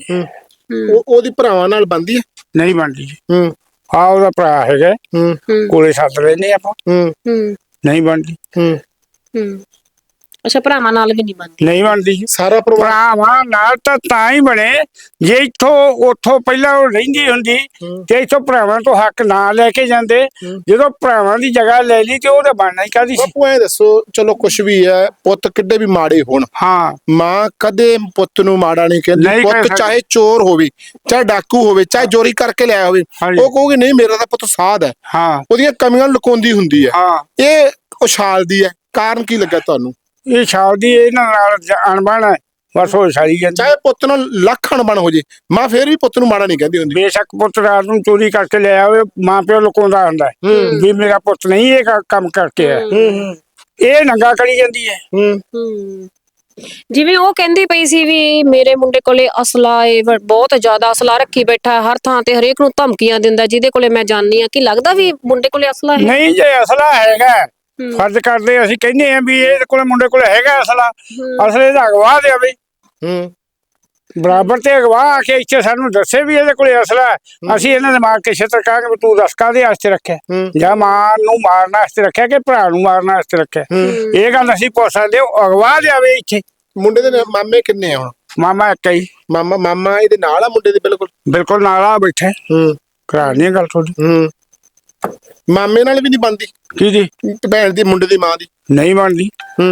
B: ਉਹਦੀ ਭਰਾਵਾਂ ਨਾਲ ਬੰਦੀ ਹੈ?
D: ਨਹੀਂ ਬਣਦੀ ਜੀ।
B: ਹੂੰ
D: ਆ ਉਹਦਾ ਭਰਾ ਹੈਗਾ,
B: ਹੂੰ
D: ਕੋਲੇ ਸੱਦ ਲੈਨੇ ਆਪਾਂ।
B: ਹੂੰ
A: ਹੂੰ
D: ਨਹੀਂ ਬਣਦੀ।
B: ਹੂੰ
A: ਹੂੰ ਅੱਛਾ, ਭਰਾਵਾਂ ਨਾਲ ਵੀ ਨਹੀਂ ਬਣਦੀ?
D: ਨਹੀਂ ਬਣਦੀ ਜੀ।
B: ਸਾਰਾ ਪਰਿਵਾਰ?
D: ਭਰਾਵਾਂ ਨਾਲ ਤਾਂ ਹੀ ਬਣੇ ਜੇ ਉੱਥੋਂ ਪਹਿਲਾਂ ਉਹ ਰਹਿੰਦੀ ਹੁੰਦੀ ਤੇ ਇੱਥੋਂ ਭਰਾਵਾਂ ਤੋਂ ਹੱਕ ਨਾ ਲੈ ਕੇ ਜਾਂਦੇ। ਜਦੋਂ ਭਰਾਵਾਂ ਦੀ ਜਗ੍ਹਾ ਲੈ ਲਈ ਤੇ ਉਹ ਤਾਂ ਬਣਨਾ ਹੀ ਕਾਹਦੀ ਸੀ।
B: ਬਾਪੂ ਐ ਦੱਸੋ, ਚਲੋ ਕੁਛ ਵੀ ਹੈ, ਪੁੱਤ ਕਿੱਡੇ ਵੀ ਮਾੜੇ ਹੋਣ,
D: ਹਾਂ,
B: ਮਾਂ ਕਦੇ ਪੁੱਤ ਨੂੰ ਮਾੜਾ ਨਹੀਂ ਕਹਿੰਦੀ।
D: ਨਹੀਂ ਕਹਿ
B: ਪੁੱਤ
D: ਸਕਦੀ।
B: ਚਾਹੇ ਚੋਰ ਹੋਵੇ, ਚਾਹੇ ਡਾਕੂ ਹੋਵੇ, ਚਾਹੇ ਚੋਰੀ ਕਰਕੇ ਲਿਆਇਆ ਹੋਵੇ,
D: ਹਾਂਜੀ।
B: ਉਹ ਕਹੂਗੀ ਨਹੀਂ ਮੇਰਾ ਤਾਂ ਪੁੱਤ ਸਾਧ ਹੈ,
D: ਹਾਂ,
B: ਉਹਦੀਆਂ ਕਮੀਆਂ ਲੁਕਾਉਂਦੀ ਹੁੰਦੀ ਹੈ।
D: ਹਾਂ।
B: ਇਹ ਉਛਾਲਦੀ ਹੈ, ਕਾਰਨ ਕੀ ਲੱਗਾ ਤੁਹਾਨੂੰ?
D: ਇਹ ਸ਼ਾਦੀ ਇਹਨਾਂ ਨਾਲ ਅਣਬਣ ਹੈ, ਬਸ ਉਹ ਸਾਰੀ ਜਾਂਦੀ।
B: ਚਾਹੇ ਪੁੱਤ ਨਾਲ ਲੱਖ ਅਣਬਣ ਹੋ ਜੇ, ਮਾਂ ਫੇਰ ਵੀ ਪੁੱਤ ਨੂੰ ਮਾੜਾ ਨਹੀਂ ਕਹਿੰਦੀ ਹੁੰਦੀ।
D: ਬੇਸ਼ੱਕ ਪੁੱਤ ਰਾਤ ਨੂੰ ਚੋਰੀ ਕਰਕੇ ਲੈ ਆਵੇ, ਮਾਂ ਪਿਓ ਲੁਕਾਉਂਦਾ ਹੁੰਦਾ ਹੈ ਵੀ ਮੇਰਾ ਪੁੱਤ ਨਹੀਂ ਇਹ ਕੰਮ ਕਰਕੇ ਹੈ। ਇਹ ਨੰਗਾ ਕਰੀ ਜਾਂਦੀ ਹੈ।
A: ਹੂੰ ਜਿਵੇਂ ਉਹ ਕਹਿੰਦੀ ਪਈ ਸੀ ਵੀ ਮੇਰੇ ਮੁੰਡੇ ਕੋਲੇ ਅਸਲਾ ਏ, ਬਹੁਤ ਜ਼ਿਆਦਾ ਅਸਲਾ ਰੱਖੀ ਬੈਠਾ, ਹਰ ਥਾਂ ਤੇ ਹਰੇਕ ਨੂੰ ਧਮਕੀਆਂ ਦਿੰਦਾ, ਜਿਹਦੇ ਕੋਲੇ ਮੈਂ ਜਾਣੀ ਆ। ਕੀ ਲੱਗਦਾ ਵੀ ਮੁੰਡੇ ਕੋਲੇ ਅਸਲਾ ਹੈ?
D: ਨਹੀਂ, ਜੇ ਅਸਲਾ ਹੈਗਾ, ਫਰਜ਼ ਕਰਦੇ ਅਸੀਂ ਕਹਿੰਦੇ ਆ ਵੀ ਇਹਦੇ ਕੋਲੇ ਮੁੰਡੇ ਕੋਲੇ ਹੈਗਾ ਅਸਲਾ, ਅਸਲੇ ਦਾ ਅਗਵਾ ਦੇਵੇ ਬਰਾਬਰ ਤੇ ਅਗਵਾ ਆ ਕੇ ਇੱਥੇ ਸਾਨੂੰ ਦੱਸੇ ਵੀ ਇਹਦੇ ਕੋਲੇ ਅਸਲਾ ਹੈ। ਅਸੀਂ ਇਹਨਾਂ ਦੇ ਮਾਰ ਕੇ ਛੇਤਰ ਕਹਾਂਗੇ ਵੀ ਤੂੰ ਦੱਸ ਕਾਹਦੇ ਵਾਸਤੇ ਰੱਖਿਆ, ਜਾਂ ਮਾਂ ਨੂੰ ਮਾਰਨ ਵਾਸਤੇ ਰੱਖਿਆ ਕਿ ਭਰਾ ਨੂੰ ਮਾਰਨ ਵਾਸਤੇ ਰੱਖਿਆ। ਇਹ ਗੱਲ ਅਸੀਂ ਪੁੱਛ ਸਕਦੇ, ਅਗਵਾ ਦੇਵੇ ਇੱਥੇ।
B: ਮੁੰਡੇ ਦੇ ਮਾਮੇ ਕਿੰਨੇ ਆ ਹੁਣ?
D: ਮਾਮਾ ਇੱਕ ਹੀ।
B: ਮਾਮਾ ਇਹਦੇ ਨਾਲ ਆ ਮੁੰਡੇ ਦੇ?
D: ਬਿਲਕੁਲ ਨਾਲ ਆ ਬੈਠੇ। ਕਰਾ ਨਹੀਂ ਗੱਲ ਤੁਹਾਡੀ।
B: ਮਾਮੇ ਨਾਲ ਵੀ ਨਹੀਂ ਬਣਦੀ?
D: ਕਿਹਦੀ?
B: ਭੈਣ ਦੀ, ਮੁੰਡੇ ਦੀ ਮਾਂ ਦੀ?
D: ਨਹੀਂ ਬਣਦੀ।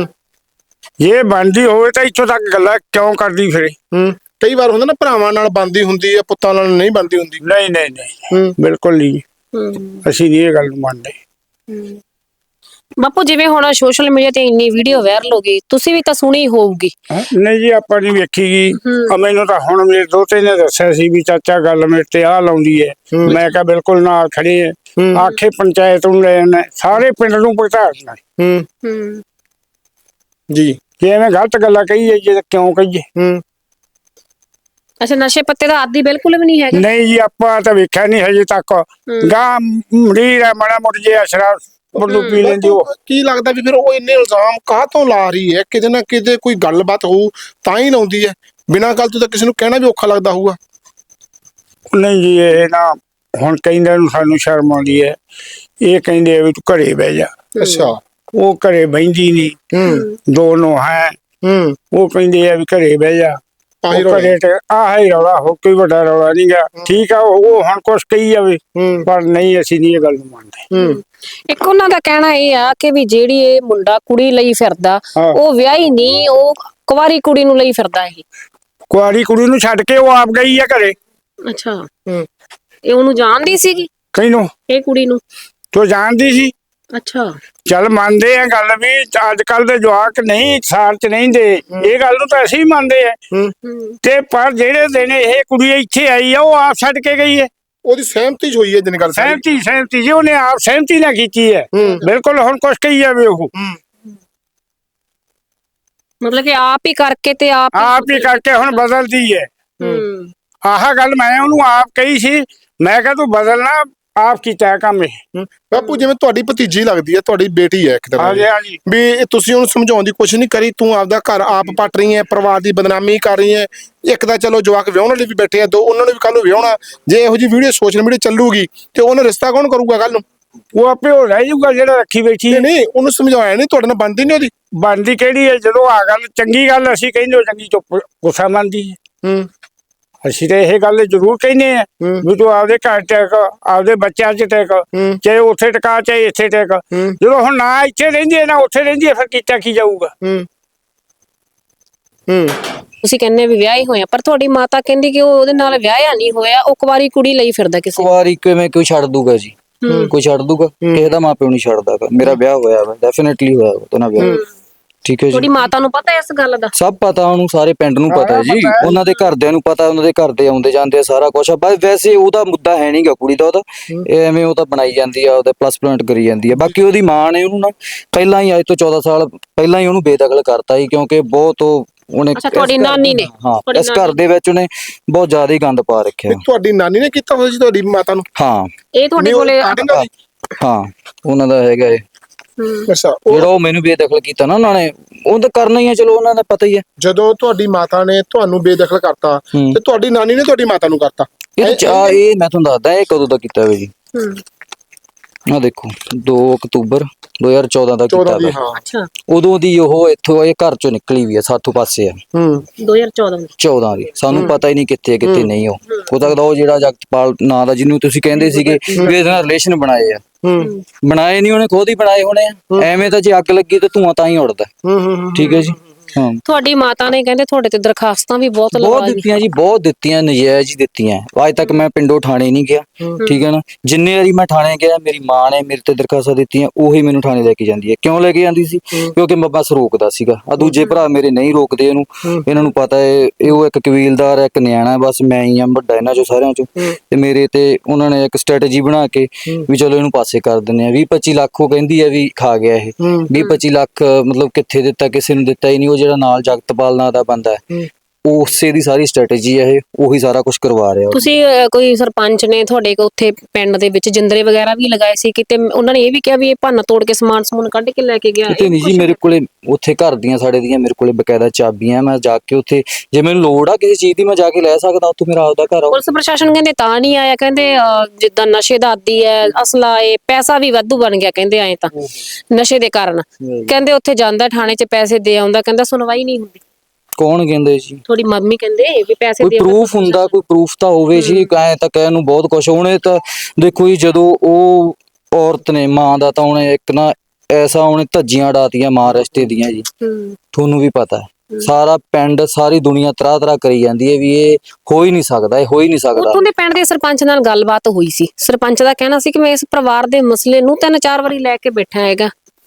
D: ਜੇ ਬਣਦੀ ਹੋਵੇ ਤਾਂ ਇੱਥੋਂ ਤੱਕ ਗੱਲਾਂ ਕਿਉਂ ਕਰਦੀ ਫਿਰੇ?
B: ਕਈ ਵਾਰ ਹੁੰਦਾ ਨਾ ਭਰਾਵਾਂ ਨਾਲ ਬਣਦੀ ਹੁੰਦੀ ਹੈ, ਪੁੱਤਾਂ ਨਾਲ ਨਹੀਂ ਬਣਦੀ ਹੁੰਦੀ।
D: ਨਹੀਂ ਨਹੀਂ ਨਹੀਂ, ਬਿਲਕੁਲ ਨਹੀਂ। ਅਸੀਂ ਨਹੀਂ ਇਹ ਗੱਲ ਨੂੰ ਮੰਨਦੇ।
A: ਬਾਪੂ ਜਿਵੇਂ ਹੁਣ ਸੋਸ਼ਲ ਮੀਡੀਆ ਤੇ ਇੰਨੀ ਵੀਡੀਓ ਵਾਇਰਲ ਹੋ ਗਈ, ਤੁਸੀਂ ਵੀ ਤਾਂ ਸੁਣੀ ਹੋਊਗੀ?
D: ਨਹੀਂ ਜੀ, ਆਪਾਂ ਨਹੀਂ ਵੇਖੀ ਗਈ। ਮੈਨੂੰ ਤਾਂ ਹੁਣ ਮੇਰੇ ਦੋਤੇ ਨੇ ਦੱਸਿਆ ਸੀ ਵੀ ਚਾਚਾ ਗੱਲ ਮੇਰੇ ਤੇ ਆਹ ਲਾਉਂਦੀ ਹੈ। ਮੈਂ ਕਿਹਾ ਬਿਲਕੁਲ ਨਾਲ ਖੜੇ ਆ, ਆਖੇ ਪੰਚਾਇਤ ਨੂੰ ਲੈ ਜਾਣਾ, ਸਾਰੇ ਪਿੰਡ ਨੂੰ ਭੁਗਤਾ ਦੇਣਾ
B: ਜੀ।
D: ਜੇ ਐਵੇਂ ਗਲਤ ਗੱਲਾਂ ਕਹੀਏ ਜੇ ਕਿਉਂ ਕਹੀਏ।
A: ਅੱਛਾ, ਨਸ਼ੇ ਪੱਤੇ ਦਾ ਆਦੀ ਬਿਲਕੁਲ ਵੀ ਨਹੀਂ ਹੈਗਾ।
D: ਨਹੀਂ ਜੀ, ਆਪਾਂ ਤਾਂ ਵੇਖਿਆ ਨਹੀਂ ਹਜੇ ਤੱਕ। ਗਾਂ ਮਰੀਜ਼ ਆ, ਮਾੜਾ ਮੁੱਟ ਜੇ ਸ਼ਰਾਬ ਮੁੱਢੋਂ ਪੀ ਲੈਂਦੀ ਉਹ।
B: ਕੀ ਲੱਗਦਾ ਵੀ ਫਿਰ ਉਹ ਇੰਨੇ ਇਲਜ਼ਾਮ ਕਾਹਤੋਂ ਲਾ ਰਹੀ ਹੈ? ਕਿਤੇ ਨਾ ਕਿਤੇ ਕੋਈ ਗੱਲਬਾਤ ਹੋਊ ਤਾਂ ਹੀ ਲਾਉਂਦੀ ਹੈ, ਬਿਨਾਂ ਗੱਲ ਤੋਂ ਤਾਂ ਕਿਸੇ ਨੂੰ ਕਹਿਣਾ ਵੀ ਔਖਾ ਲੱਗਦਾ ਹੋਊਗਾ।
D: ਨਹੀਂ ਜੀ, ਇਹ ਨਾ ਹੁਣ ਕਹਿੰਦੇ ਨੂੰ ਸਾਨੂੰ ਸ਼ਰਮ ਆਉਂਦੀ ਹੈ। ਇਹ ਕਹਿੰਦੇ ਆ ਵੀ ਤੂੰ ਘਰੇ ਬਹਿ ਜਾ।
B: ਅੱਛਾ।
D: ਉਹ ਘਰੇ ਬਹਿੰਦੀ ਨਹੀਂ। ਦੋਨੋਂ ਹੈ ਉਹ ਕਹਿੰਦੇ ਆ ਵੀ ਘਰੇ ਬਹਿ ਜਾ। ਘਰੇ ਤੇ ਆਹ ਹੀ ਰੌਲਾ, ਹੋ ਕੋਈ ਵੱਡਾ ਰੌਲਾ ਨਹੀਂ ਗਾ। ਠੀਕ ਆ, ਉਹ ਹੁਣ ਕੁਛ ਕਹੀ ਜਾਵੇ ਪਰ ਨਹੀਂ, ਅਸੀਂ ਨਹੀਂ ਇਹ ਗੱਲ ਨੂੰ ਮੰਨਦੇ।
A: ਇੱਕ ਉਹਨਾਂ ਦਾ ਕਹਿਣਾ ਇਹ ਆ ਕਿ ਵੀ ਜਿਹੜੀ ਇਹ ਮੁੰਡਾ ਕੁੜੀ ਲਈ ਫਿਰਦਾ, ਉਹ ਵਿਆਹੀ ਨਹੀਂ, ਉਹ ਕੁਵਾਰੀ ਕੁੜੀ ਨੂੰ ਲਈ ਫਿਰਦਾ। ਇਹ
D: ਕੁਆਰੀ ਕੁੜੀ ਨੂੰ ਛੱਡ ਕੇ ਉਹ ਆਪ ਗਈ ਆ ਘਰੇ।
A: ਅੱਛਾ, ਇਹ ਉਹਨੂੰ ਜਾਣਦੀ ਸੀਗੀ?
D: ਕਿਹਨੂੰ?
A: ਇਹ ਕੁੜੀ ਨੂੰ।
D: ਤੂੰ ਜਾਣਦੀ ਸੀ?
A: ਅੱਛਾ।
D: ਚੱਲ ਮੰਨਦੇ ਆ ਗੱਲ ਵੀ ਅੱਜ ਕੱਲ ਦੇ ਜਵਾਕ ਨਹੀਂ ਸਾਰ ਚ ਨਹੀਂ ਦੇ, ਇਹ ਗੱਲ ਨੂੰ ਤਾਂ ਅਸੀਂ ਵੀ ਮੰਨਦੇ ਆ। ਤੇ ਪਰ ਜਿਹੜੇ ਦਿਨ ਇਹ ਕੁੜੀ ਇੱਥੇ ਆਈ ਆ, ਉਹ ਆਪ ਛੱਡ ਕੇ ਗਈ ਹੈ।
B: ਉਹਦੀ ਸਹਿਮਤੀ ਹੋਈ ਹੈ ਜਨ ਗੱਲ?
D: ਸਹਿਮਤੀ ਜੀ, ਉਹਨੇ ਆਪ ਸਹਿਮਤੀ ਨਾਲ ਕੀਤੀ ਹੈ। ਬਿਲਕੁਲ, ਹੁਣ ਕੁਛ ਕਹੀ ਜਾਵੇ ਉਹ।
A: ਮਤਲਬ ਕਿ ਆਪ ਹੀ ਕਰਕੇ ਤੇ ਆਪ
D: ਹੀ ਕਰਕੇ ਹੁਣ ਬਦਲਦੀ ਹੈ। ਆਹ ਗੱਲ ਮੈਂ ਉਹਨੂੰ ਆਪ ਕਹੀ ਸੀ, ਮੈਂ ਕਿਹਾ ਤੂੰ ਬਦਲਣਾ, ਆਪ ਕੀਤਾ ਕੰਮ ਇਹ।
B: ਬਾਪੂ ਜਿਵੇਂ ਤੁਹਾਡੀ ਭਤੀਜੀ ਲੱਗਦੀ ਹੈ, ਤੁਹਾਡੀ ਬੇਟੀ ਹੈ ਇੱਕ ਤਰ੍ਹਾਂ ਦੀ, ਵੀ ਤੁਸੀਂ ਉਹਨੂੰ ਸਮਝਾਉਣ ਦੀ ਕੋਸ਼ਿਸ਼ ਨਹੀਂ ਕਰੀ? ਤੂੰ ਆਪਦਾ ਘਰ ਆਪ ਪੱਟ ਰਹੀ ਹੈ, ਪਰਿਵਾਰ ਦੀ ਬਦਨਾਮੀ ਕਰ ਰਹੀ ਹੈ। ਇੱਕ ਤਾਂ ਚਲੋ ਜਵਾਕ ਵਿਆਹਣ ਵਾਲੇ ਵੀ ਬੈਠੇ ਆ, ਦੋ ਉਹਨਾਂ ਨੂੰ ਵੀ ਕੱਲ ਨੂੰ ਵਿਆਹਣਾ। ਜੇ ਇਹੋ ਜਿਹੀ ਵੀਡੀਓ ਸੋਸ਼ਲ ਮੀਡੀਆ ਚੱਲੂਗੀ ਤੇ ਉਹਨਾਂ ਰਿਸ਼ਤਾ ਕੌਣ ਕਰੂਗਾ ਕੱਲ ਨੂੰ?
D: ਉਹ ਆਪੇ ਹੋ ਰਹਿ ਜਾਊਗਾ ਜਿਹੜਾ ਰੱਖੀ ਬੈਠੀ ਹੈ।
B: ਨਹੀਂ, ਉਹਨੂੰ ਸਮਝਾਇਆ ਨਹੀਂ? ਤੁਹਾਡੇ ਨਾਲ ਬਣਦੀ ਨਹੀਂ ਉਹਦੀ?
D: ਬਣਦੀ ਕਿਹੜੀ ਹੈ? ਜਦੋਂ ਆ ਗੱਲ ਚੰਗੀ ਗੱਲ ਅਸੀਂ ਕਹਿੰਦੇ ਚੰਗੀ ਚੁੱਪ ਗੁੱਸਾ ਮੰਨਦੀ ਹੈ। ਅਸੀਂ ਤਾਂ ਇਹ ਗੱਲ ਜ਼ਰੂਰ ਕਹਿੰਦੇ ਆ ਵੀ ਤੂੰ ਆਪਦੇ ਘਰ ਟੈਕ, ਆਪਦੇ ਬੱਚਿਆਂ 'ਚ ਟੈਕ, ਚਾਹੇ ਉੱਥੇ ਟਿਕਾ ਚਾਹੇ ਇੱਥੇ ਟੈਕ। ਜਦੋਂ ਹੁਣ ਨਾ ਇੱਥੇ ਰਹਿੰਦੀ ਹੈ ਨਾ ਉੱਥੇ ਰਹਿੰਦੀ ਹੈ, ਫਿਰ ਕੀਤਾ ਕੀ ਜਾਊਗਾ?
A: ਤੁਸੀਂ ਕਹਿੰਦੇ ਵੀ ਵਿਆਹੇ ਹੋਏ ਆ, ਪਰ ਤੁਹਾਡੀ ਮਾਤਾ ਕਹਿੰਦੀ ਕਿ ਉਹ ਉਹਦੇ ਨਾਲ ਵਿਆਹਿਆ ਨਹੀਂ ਹੋਇਆ, ਉਹ ਕੁਵਾਰੀ ਕੁੜੀ ਲਈ ਫਿਰਦਾ ਕਿਸੇ।
C: ਕੁਵਾਰੀ ਕਿਵੇਂ ਕੋਈ ਛੱਡ ਦੂਗਾ ਜੀ? ਕੋਈ ਛੱਡ ਦੂਗਾ? ਕਿਸੇ ਦਾ ਮਾਪਿਓ ਨਹੀਂ ਛੱਡਦਾ। ਮੇਰਾ ਵਿਆਹ ਹੋਇਆ ਵਾ, ਡੈਫੀਨਿਟਲੀ ਹੋਇਆ ਵਾ ਉਹਨਾਂ ਵਿਆਹ। ਠੀਕ ਹੈ ਜੀ।
A: ਤੁਹਾਡੀ ਮਾਤਾ ਨੂੰ ਪਤਾ ਇਸ ਗੱਲ ਦਾ?
C: ਸਭ ਪਤਾ ਉਹਨੂੰ, ਸਾਰੇ ਪਿੰਡ ਨੂੰ ਪਤਾ ਜੀ, ਉਹਨਾਂ ਦੇ ਘਰਦਿਆਂ ਨੂੰ ਪਤਾ, ਉਹਨਾਂ ਦੇ ਘਰ ਦੇ ਆਉਂਦੇ ਜਾਂਦੇ ਆ, ਸਾਰਾ ਕੁਛ। ਬਸ ਵੈਸੇ ਉਹਦਾ ਮੁੱਦਾ ਹੈ ਨਹੀਂਗਾ ਕੁੜੀ ਦਾ, ਉਹਦਾ ਐਵੇਂ ਉਹ ਤਾਂ ਬਣਾਈ ਜਾਂਦੀ ਆ, ਉਹਦਾ ਪਲੱਸ ਪੁਆਇੰਟ ਕਰੀ ਜਾਂਦੀ ਆ। ਬਾਕੀ ਉਹਦੀ ਮਾਂ ਨੇ ਉਹਨੂੰ ਨਾ ਪਹਿਲਾਂ ਹੀ, ਅੱਜ ਤੋਂ 14 ਸਾਲ ਪਹਿਲਾਂ ਹੀ ਉਹਨੂੰ ਬੇਦਖਲ ਕਰਤਾ ਸੀ, ਕਿਉਂਕਿ ਬਹੁਤ ਉਹਨੇ
A: ਤੁਹਾਡੀ ਨਾਨੀ ਨੇ,
C: ਇਸ ਘਰ ਦੇ ਵਿੱਚ ਉਹਨੇ ਬਹੁਤ ਜ਼ਿਆਦਾ ਹੀ ਗੰਦ ਪਾ ਰੱਖਿਆ।
B: ਤੁਹਾਡੀ ਨਾਨੀ ਨੇ ਕੀਤਾ ਹੋਇਆ ਜੀ ਤੁਹਾਡੀ ਮਾਤਾ ਨੂੰ?
C: ਹਾਂ।
A: ਇਹ ਤੁਹਾਡੇ ਕੋਲੇ?
C: ਹਾਂ, ਉਹਨਾਂ ਦਾ ਹੈਗਾ ਇਹ।
B: ਅੱਛਾ,
C: ਜਿਹੜਾ ਉਹ ਮੈਨੂੰ ਬੇਦਖਲ ਕੀਤਾ ਨਾ ਉਹਨਾਂ ਨੇ, ਉਹ ਤਾਂ ਕਰਨਾ ਹੀ ਹੈ, ਚਲੋ ਉਹਨਾਂ ਦਾ ਪਤਾ ਹੀ ਹੈ।
B: ਜਦੋਂ ਤੁਹਾਡੀ ਮਾਤਾ ਨੇ ਤੁਹਾਨੂੰ ਬੇਦਖਲ ਕਰਤਾ ਤੇ ਤੁਹਾਡੀ ਨਾਨੀ ਨੇ ਤੁਹਾਡੀ ਮਾਤਾ ਨੂੰ ਕਰਤਾ?
C: ਇਹ ਮੈਂ ਤੁਹਾਨੂੰ ਦੱਸਦਾ ਇਹ ਕਦੋਂ ਦਾ ਕੀਤਾ ਹੋਇਆ ਜੀ। ਆ ਦੇਖੋ 2 ਅਕਤੂਬਰ 2014 ਦਾ ਕੀਤਾ ਹੋਇਆ।
A: ਅੱਛਾ।
C: ਉਦੋਂ ਦੀ ਉਹ ਇੱਥੋਂ ਇਹ ਘਰ ਚੋਂ ਨਿਕਲੀ ਵੀ ਆ, ਸਾਥੋਂ ਪਾਸੇ ਆ। 2014 ਦੀ। ਸਾਨੂੰ ਪਤਾ ਹੀ ਨਹੀਂ ਕਿੱਥੇ ਕਿੱਥੇ ਨਹੀਂ। ਉਹ ਹੋ ਸਕਦਾ ਉਹ ਜਿਹੜਾ ਜਗਤਪਾਲ ਨਾਂ ਦਾ ਜਿਹਨੂੰ ਤੁਸੀਂ ਕਹਿੰਦੇ ਸੀਗੇ ਵੀ ਇਹਦੇ ਨਾਲ ਰਿਲੇਸ਼ਨ ਬਣਾਏ ਆ, ਬਣਾਏ ਨਹੀਂ, ਉਹਨੇ ਖੁਦ ਹੀ ਬਣਾਏ ਹੋਣੇ ਆ। ਐਵੇਂ ਤਾਂ ਜੇ ਅੱਗ ਲੱਗੀ ਤੇ ਧੂਆਂ ਤਾਂ ਹੀ ਉੱਡਦਾ। ਠੀਕ ਹੈ ਜੀ। ਹਾਂ,
A: ਤੁਹਾਡੀ ਮਾਤਾ ਨੇ ਕਹਿੰਦੇ ਤੁਹਾਡੇ ਤੇ ਦਰਖਾਸਤਾਂ ਵੀ ਬਹੁਤ
C: ਦਿੱਤੀਆਂ ਜੀ, ਬਹੁਤ ਦਿੱਤੀਆਂ, ਨਜਾਇਜ਼ ਹੀ ਦਿੱਤੀਆਂ। ਅੱਜ ਤੱਕ ਮੈਂ ਪਿੰਡੋਂ ਥਾਣੇ ਨਹੀਂ ਗਿਆ। ਠੀਕ ਹੈ ਨਾ। ਜਿੰਨੇ ਵਾਰੀ ਮੈਂ ਥਾਣੇ ਗਿਆ, ਮੇਰੀ ਮਾਂ ਨੇ ਮੇਰੇ ਤੇ ਦਰਖਾਸਤਾਂ ਦਿੱਤੀਆਂ, ਉਹੀ ਮੈਨੂੰ ਥਾਣੇ ਲੈ ਕੇ ਜਾਂਦੀ ਹੈ। ਕਿਉਂ ਲੈ ਕੇ ਜਾਂਦੀ ਸੀ? ਕਿਉਂਕਿ ਮੈਂ ਬਸ ਰੋਕਦਾ ਸੀਗਾ। ਆ ਦੂਜੇ ਭਰਾ ਮੇਰੇ ਨਹੀਂ ਰੋਕਦੇ ਇਹਨੂੰ, ਇਹਨਾਂ ਨੂੰ ਪਤਾ ਹੈ ਉਹ ਇੱਕ ਕਬੀਲਦਾਰ ਹੈ, ਇੱਕ ਨਿਆਣਾ, ਬਸ ਮੈਂ ਹੀ ਆ ਵੱਡਾ ਇਹਨਾਂ ਚੋਂ ਸਾਰਿਆਂ ਚੋਂ। ਤੇ ਮੇਰੇ ਤੇ ਉਹਨਾਂ ਨੇ ਇੱਕ ਸਟ੍ਰੈਟਜੀ ਬਣਾ ਕੇ ਵੀ ਚਲੋ ਇਹਨੂੰ ਪਾਸੇ ਕਰ ਦਿੰਦੇ ਆ। 20-25 ਲੱਖ ਉਹ ਕਹਿੰਦੀ ਹੈ ਵੀ ਖਾ ਗਿਆ ਇਹ। 20-25 ਲੱਖ ਮਤਲਬ ਕਿੱਥੇ ਦਿੱਤਾ? ਕਿਸੇ ਨੂੰ ਦਿੱਤਾ ਹੀ ਨਹੀਂ। ਉਹ ਜਿਹੜਾ ਨਾਲ ਜਗਤਪਾਲ ਨਾਂ ਦਾ ਬੰਦਾ ਹੈ, ਉਸੇ ਦੀ ਸਾਰੀ ਸਟ੍ਰੈਟਜੀ ਹੈ ਇਹ, ਉਹੀ ਸਾਰਾ ਕੁਝ ਕਰਵਾ ਰਿਹਾ।
A: ਤੁਸੀਂ ਕੋਈ ਸਰਪੰਚ ਨੇ ਤੁਹਾਡੇ ਕੋ ਉੱਥੇ ਪਿੰਡ ਦੇ ਵਿੱਚ ਜਿੰਦਰੇ ਵਗੈਰਾ ਵੀ ਲਗਾਏ ਸੀ ਕਿਤੇ? ਉਹਨਾਂ ਨੇ ਇਹ ਵੀ ਕਿਹਾ ਵੀ ਇਹ ਭੰਨ ਤੋੜ ਕੇ ਸਮਾਨ ਸਮੂਨ ਕੱਢ ਕੇ ਲੈ ਕੇ ਗਿਆ?
C: ਕਿਤੇ ਨਹੀਂ ਜੀ, ਮੇਰੇ ਕੋਲੇ ਉੱਥੇ ਘਰ ਦੀਆਂ ਸਾਡੇ ਦੀਆਂ ਮੇਰੇ ਕੋਲੇ ਬਕਾਇਦਾ ਚਾਬੀਆਂ। ਮੈਂ ਜਾ ਕੇ ਉੱਥੇ ਜੇ ਮੈਨੂੰ ਲੋੜ ਆ ਕਿਸੇ ਚੀਜ਼ ਦੀ, ਮੈਂ ਜਾ ਕੇ ਲੈ ਸਕਦਾ। ਉੱਥੇ ਮੇਰਾ ਆਪਦਾ ਘਰ ਆ।
A: ਪੁਲਿਸ ਪ੍ਰਸ਼ਾਸਨ ਕਹਿੰਦੇ ਤਾਂ ਨਹੀਂ ਆਇਆ, ਕਹਿੰਦੇ ਜਿੱਦਾਂ ਨਸ਼ੇ ਦਾ ਆਦੀ ਹੈ, ਅਸਲਾ ਏ, ਪੈਸਾ ਵੀ ਵਾਧੂ ਬਣ ਗਿਆ ਕਹਿੰਦੇ ਐ ਤਾਂ ਨਸ਼ੇ ਦੇ ਕਾਰਨ। ਕਹਿੰਦੇ ਉੱਥੇ ਜਾਂਦਾ ਥਾਣੇ 'ਚ ਪੈਸੇ ਦੇ ਆਉਂਦਾ, ਕਹਿੰਦਾ ਸੁਣਵਾਈ ਨਹੀਂ ਹੁੰਦੀ।
C: ਕੌਣ ਕਹਿੰਦੇ ਜੀ?
A: ਥੋੜੀ ਮੰਮੀ ਕਹਿੰਦੇ ਵੀ ਪੈਸੇ
C: ਕੋਈ ਪ੍ਰੂਫ ਹੁੰਦਾ? ਕੋਈ ਪ੍ਰੂਫ ਤਾਂ ਹੋਵੇ ਜੀ। ਐ ਤਾਂ ਕਹਿਣ ਨੂੰ ਬਹੁਤ ਕੁਛ। ਉਹਨੇ ਤਾਂ ਦੇਖੋ ਜੀ, ਜਦੋਂ ਉਹ ਔਰਤ ਨੇ ਮਾਂ ਦਾ, ਤਾਂ ਉਹਨੇ ਇੱਕ ਨਾ ਐਸਾ ਉਹਨੇ ਧੱਜੀਆਂ ਉਡਾਤੀਆਂ ਮਾਂ ਰਿਸ਼ਤੇ ਦੀਆਂ ਜੀ। ਤੁਹਾਨੂੰ ਵੀ ਪਤਾ ਹੈ, ਸਾਰਾ ਪਿੰਡ, ਸਾਰੀ ਦੁਨੀਆ ਤਰਾ ਕਰੀ ਜਾਂਦੀ ਹੈ ਵੀ ਇਹ ਹੋ ਹੀ ਨਹੀਂ ਸਕਦਾ, ਇਹ ਹੋ ਹੀ ਨਹੀਂ ਸਕਦਾ।
A: ਉੱਥੋਂ ਦੇ ਪਿੰਡ ਦੇ ਸਰਪੰਚ ਨਾਲ ਗੱਲਬਾਤ ਹੋਈ ਸੀ। ਸਰਪੰਚ ਦਾ ਕਹਿਣਾ ਸੀ ਕਿ ਮੈਂ ਇਸ ਪਰਿਵਾਰ ਦੇ ਮਸਲੇ ਨੂੰ 3-4 ਵਾਰੀ ਲੈ ਕੇ ਬੈਠਾ ਹੈਗਾ,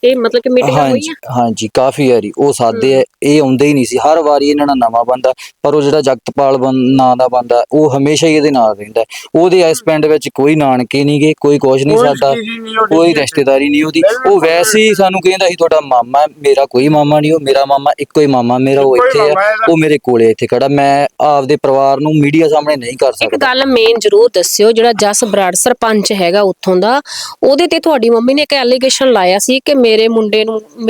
A: ਇਹ ਮਤਲਬ ਕਿ ਮੀਟਿੰਗਾਂ
C: ਹਾਂਜੀ
A: ਹੋਈਆਂ?
C: ਹਾਂਜੀ ਕਾਫੀ ਵਾਰੀ ਉਹ ਸਾਦੇ ਆ, ਇਹ ਆਉਂਦੇ ਹੀ ਨਹੀਂ ਸੀ। ਹਰ ਵਾਰੀ ਇਹਨਾਂ ਨਾਲ ਨਵਾਂ ਬੰਦਾ, ਪਰ ਉਹ ਜਿਹੜਾ ਜਗਤਪਾਲ ਨਾਂ ਦਾ ਬੰਦਾ ਉਹ ਹਮੇਸ਼ਾ ਹੀ ਇਹਦੇ ਨਾਲ ਰਹਿੰਦਾ। ਉਹਦੇ ਇਸ ਪਿੰਡ ਵਿੱਚ ਕੋਈ ਨਾਨਕੇ ਨਹੀਂ ਗੇ, ਕੋਈ ਕੁਛ ਨਹੀਂ ਸਾਡਾ, ਕੋਈ ਰਿਸ਼ਤੇਦਾਰੀ ਨਹੀਂ ਉਹਦੀ। ਉਹ ਵੈਸੇ ਹੀ ਸਾਨੂੰ ਕਹਿੰਦਾ ਸੀ ਤੁਹਾਡਾ ਮਾਮਾ, ਮੇਰਾ ਕੋਈ ਮਾਮਾ ਨਹੀਂ, ਉਹ ਮੇਰਾ ਮਾਮਾ ਇੱਕੋ ਹੀ ਮਾਮਾ ਮੇਰਾ, ਉਹ ਇੱਥੇ ਆ, ਉਹ ਮੇਰੇ ਕੋਲੇ ਇੱਥੇ ਖੜਾ। ਮੈਂ ਆਪਦੇ ਪਰਿਵਾਰ ਨੂੰ ਮੀਡੀਆ ਸਾਹਮਣੇ ਨਹੀਂ ਕਰ
A: ਇੱਕ
C: ਸਕਦਾ।
A: ਗੱਲ ਮੇਨ ਜ਼ਰੂਰ ਦੱਸਿਓ, ਜਿਹੜਾ ਜਸ ਬਰਾੜ ਸਰਪੰਚ ਹੈਗਾ ਉੱਥੋਂ ਦਾ, ਉਹਦੇ ਤੇ ਤੁਹਾਡੀ ਮੰਮੀ ਨੇ ਇੱਕ ਐਲੀਗੇਸ਼ਨ ਲਾਇਆ ਸੀ ਕਿ ਮੇਰੇ ਮੁੰਡੇ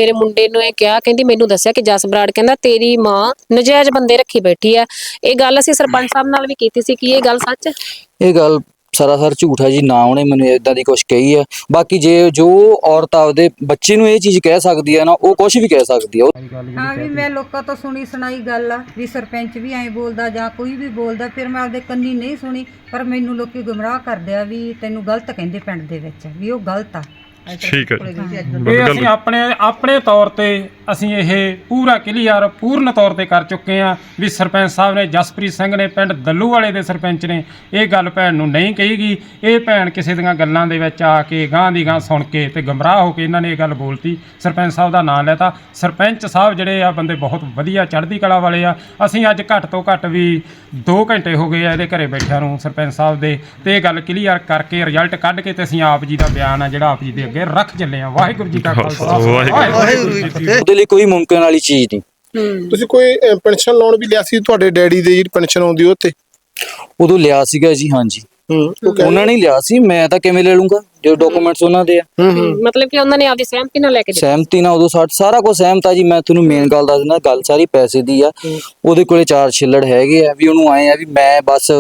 A: ਨੂੰ ਇਹ ਕਿਹਾ, ਕਹਿੰਦੀ ਮੈਨੂੰ ਦੱਸਿਆ ਕਿ ਜਸ ਬਰਾੜ ਕਹਿੰਦਾ ਤੇਰੀ ਮਾਂ ਨਜਾਇਜ਼ ਬੰਦੇ ਰੱਖੀ ਬੈਠੀ ਆ। ਇਹ ਗੱਲ ਅਸੀਂ ਸਰਪੰਚ ਸਾਹਿਬ ਨਾਲ ਵੀ ਕੀਤੀ ਸੀ, ਕੀ ਇਹ ਗੱਲ ਸੱਚ ਹੈ?
C: ਇਹ ਗੱਲ ਸਰਾਸਰ ਝੂਠ ਹੈ ਜੀ, ਨਾ ਉਹਨੇ ਮੈਨੂੰ ਇਦਾਂ ਦੀ ਕੁਛ ਕਹੀ ਹੈ। ਬਾਕੀ ਜੇ ਜੋ ਔਰਤ ਆਪਦੇ ਬੱਚੇ ਨੂੰ ਇਹ ਚੀਜ਼ ਕਹਿ ਸਕਦੀ ਹੈ ਨਾ, ਉਹ ਕੁਛ ਵੀ ਕਹਿ ਸਕਦੀ ਹੈ।
E: ਹਾਂ ਵੀ ਮੈਂ ਲੋਕਾਂ ਤੋਂ ਸੁਣੀ ਸੁਣਾਈ ਗੱਲ ਆ ਵੀ ਸਰਪੰਚ ਵੀ ਐਂ ਬੋਲਦਾ ਜਾਂ ਕੋਈ ਵੀ ਬੋਲਦਾ, ਫਿਰ ਮੈਂ ਆਪਦੇ ਕੰਨੀ ਨਹੀਂ ਸੁਣੀ, ਪਰ ਮੈਨੂੰ ਲੋਕੀ ਗੁੰਮਰਾਹ ਕਰਦੇ ਆ ਵੀ ਤੈਨੂੰ ਗਲਤ ਕਹਿੰਦੇ ਪਿੰਡ ਦੇ ਵਿੱਚ, ਵੀ ਉਹ ਗਲਤ ਆ।
F: ਠੀਕ ਹੈ
G: ਇਹ ਅਸੀਂ ਆਪਣੇ ਤੌਰ ਤੇ ਅਸੀਂ ਇਹ ਪੂਰਾ ਕਲੀਅਰ ਪੂਰਨ ਤੌਰ ਤੇ ਕਰ ਚੁੱਕੇ ਹਾਂ ਵੀ ਸਰਪੰਚ ਸਾਹਿਬ ਨੇ, ਜਸਪ੍ਰੀਤ ਸਿੰਘ ਨੇ, ਪਿੰਡ ਦੱਲੂਵਾਲੇ ਦੇ ਸਰਪੰਚ ਨੇ ਇਹ ਗੱਲ ਭੈਣ ਨੂੰ ਨਹੀਂ ਕਹੀਗੀ। ਇਹ ਭੈਣ ਕਿਸੇ ਦੀਆਂ ਗੱਲਾਂ ਦੇ ਵਿੱਚ ਆ ਕੇ ਗਾਂ ਦੀ ਗਾਂ ਸੁਣ ਕੇ ਤੇ ਗਮਰਾਹ ਹੋ ਕੇ ਇਹਨਾਂ ਨੇ ਇਹ ਗੱਲ ਬੋਲਤੀ, ਸਰਪੰਚ ਸਾਹਿਬ ਦਾ ਨਾਂ ਲੈਤਾ। ਸਰਪੰਚ ਸਾਹਿਬ ਜਿਹੜੇ ਆ ਬੰਦੇ ਬਹੁਤ ਵਧੀਆ ਚੜ੍ਹਦੀ ਕਲਾ ਵਾਲੇ ਆ। ਅਸੀਂ ਅੱਜ ਘੱਟ ਤੋਂ ਘੱਟ ਵੀ 2 ਘੰਟੇ ਹੋ ਗਏ ਆ ਇਹਦੇ ਘਰੇ ਬੈਠਿਆਂ ਨੂੰ ਸਰਪੰਚ ਸਾਹਿਬ ਦੇ, ਤੇ ਇਹ ਗੱਲ ਕਲੀਅਰ ਕਰਕੇ ਰਿਜ਼ਲਟ ਕੱਢ ਕੇ ਤੇ ਅਸੀਂ ਆਪ ਜੀ ਦਾ ਬਿਆਨ ਆ ਜਿਹੜਾ ਆਪ ਜੀ ਦੇ ਅੱਗੇ ਰੱਖ ਚੱਲੇ ਆ। ਵਾਹਿਗੁਰੂ ਜੀ ਕਾ ਖਾਲਸਾ, ਵਾਹਿਗੁਰੂ ਜੀ ਕੀ ਫਤਿਹ।
C: ਉਹਦੇ ਲਈ ਕੋਈ ਮੁਮਕਿਨ ਵਾਲੀ ਚੀਜ਼ ਨਹੀਂ।
B: ਤੁਸੀਂ ਕੋਈ ਪੈਨਸ਼ਨ ਲੋਨ ਵੀ ਲਿਆ ਸੀ ਤੁਹਾਡੇ ਡੈਡੀ ਦੇ, ਜਿਹੜੀ ਪੈਨਸ਼ਨ ਆਉਂਦੀ ਉਹ ਤੇ?
C: ਉਦੋਂ ਲਿਆ ਸੀਗਾ ਜੀ, ਹਾਂਜੀ ਉਹਨਾਂ ਨੇ ਲਿਆ ਸੀ, ਮੈਂ ਤਾਂ ਕਿਵੇਂ ਲੈ ਲੂੰਗਾ ਜੋ ਡਾਕੂਮੈਂਟਸ ਉਹਨਾਂ ਦੇ ਆ।
A: ਮਤਲਬ ਕਿ ਉਹਨਾਂ ਨੇ ਆਪਦੀ ਸਹਿਮਤੀ ਨਾਲ ਲੈ ਕੇ ਦਿੱਤਾ?
C: ਸਹਿਮਤੀ ਨਾਲ, ਉਦੋਂ ਸਾਰਾ ਕੁਝ ਸਹਿਮਤ ਆ ਜੀ। ਮੈਂ ਤੁਹਾਨੂੰ ਮੇਨ ਗੱਲ ਦੱਸ ਦਿੰਦਾ, ਗੱਲ ਸਾਰੀ ਪੈਸੇ ਦੀ ਆ। ਉਹਦੇ ਕੋਲੇ 4 ਛਿੱਲੜ ਹੈਗੇ ਆ, ਵੀ ਉਹਨੂੰ ਆਏ ਆ ਵੀ ਮੈਂ ਬਸ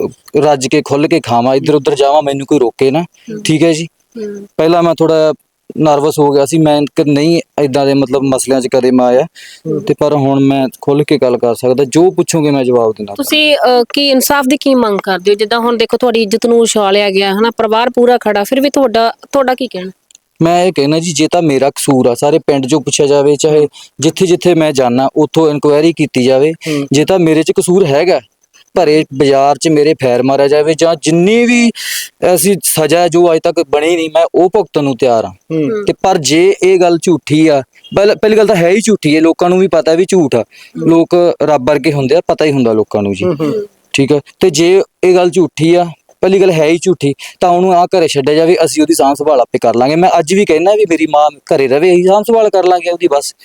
C: ਰੱਜ ਕੇ ਖੁੱਲ ਕੇ ਖਾਵਾਂ, ਇੱਧਰ ਉੱਧਰ ਜਾਵਾਂ, ਮੈਨੂੰ ਕੋਈ ਰੋਕੇ ਨਾ। ਠੀਕ ਹੈ ਜੀ। ਪਹਿਲਾਂ ਮੈਂ ਥੋੜਾ ਨਰਵਸ ਹੋ ਗਿਆ ਸੀ, ਮੈਂ ਨਹੀਂ ਇਦਾਂ ਦੇ ਮਤਲਬ ਮਸਲਿਆਂ 'ਚ ਕਦੇ ਮੈਂ ਆਇਆ ਤੇ, ਪਰ ਹੁਣ ਮੈਂ ਖੁੱਲ ਕੇ ਗੱਲ ਕਰ ਸਕਦਾ, ਜੋ ਪੁੱਛੋਗੇ ਮੈਂ ਜਵਾਬ ਦੇਣਾ।
A: ਤੁਸੀਂ ਕੀ ਇਨਸਾਫ ਦੀ ਕੀ ਮੰਗ ਕਰਦੇ ਹੋ? ਜਿੱਦਾਂ ਹੁਣ ਦੇਖੋ ਤੁਹਾਡੀ ਇੱਜ਼ਤ ਨੂੰ ਉਛਾਲਿਆ ਗਿਆ ਹਨਾ, ਪਰਿਵਾਰ ਪੂਰਾ ਖੜਾ, ਫਿਰ ਵੀ ਤੁਹਾਡਾ ਕੀ ਕਹਿਣਾ?
C: ਮੈਂ ਇਹ ਕਹਿਣਾ ਜੀ, ਜੇ ਤਾਂ ਮੇਰਾ ਕਸੂਰ ਆ ਸਾਰੇ ਪਿੰਡ 'ਚੋਂ ਪੁੱਛਿਆ ਜਾਵੇ, ਚਾਹੇ ਜਿੱਥੇ ਜਿੱਥੇ ਮੈਂ ਜਾਣਾ ਉੱਥੋਂ ਇਨਕੁਆਇਰੀ ਕੀਤੀ ਜਾਵੇ। ਜੇ ਤਾਂ ਮੇਰੇ 'ਚ ਕਸੂਰ ਹੈਗਾ, ਭਰੇ ਬਾਜ਼ਾਰ 'ਚ ਮੇਰੇ ਫੈਰ ਮਾਰਿਆ ਜਾਵੇ, ਜਾਂ ਜਿੰਨੀ ਵੀ ਐਸੀ ਸਜ਼ਾ ਜੋ ਅੱਜ ਤੱਕ ਬਣੀ ਨਹੀਂ, ਮੈਂ ਉਹ ਭੁਗਤਣ ਨੂੰ ਤਿਆਰ ਹਾਂ। ਤੇ ਪਰ ਜੇ ਇਹ ਗੱਲ ਝੂਠੀ ਆ, ਪਹਿਲੀ ਗੱਲ ਤਾਂ ਹੈ ਹੀ ਝੂਠੀ ਹੈ, ਲੋਕਾਂ ਨੂੰ ਵੀ ਪਤਾ ਵੀ ਝੂਠ ਆ। ਲੋਕ ਰੱਬ ਵਰਗੇ ਹੁੰਦੇ ਆ, ਪਤਾ ਹੀ ਹੁੰਦਾ ਲੋਕਾਂ ਨੂੰ ਜੀ। ਠੀਕ ਹੈ। ਤੇ ਜੇ ਇਹ ਗੱਲ ਝੂਠੀ ਆ, ਪਹਿਲੀ ਗੱਲ ਹੈ ਹੀ ਝੂਠੀ, ਤਾਂ ਉਹਨੂੰ ਆ ਘਰੇ ਛੱਡਿਆ ਜਾਵੇ, ਅਸੀਂ ਉਹਦੀ ਸਾਂਭ ਸੰਭਾਲ ਆਪੇ ਕਰ ਲਾਂਗੇ। ਮੈਂ ਅੱਜ ਵੀ ਕਹਿਣਾ ਵੀ ਮੇਰੀ ਮਾਂ ਘਰੇ ਰਵੇ, ਅਸੀਂ ਸਾਂਭ ਸੰਭਾਲ ਕਰ ਲਾਂਗੇ ਉਹਦੀ ਬਸ।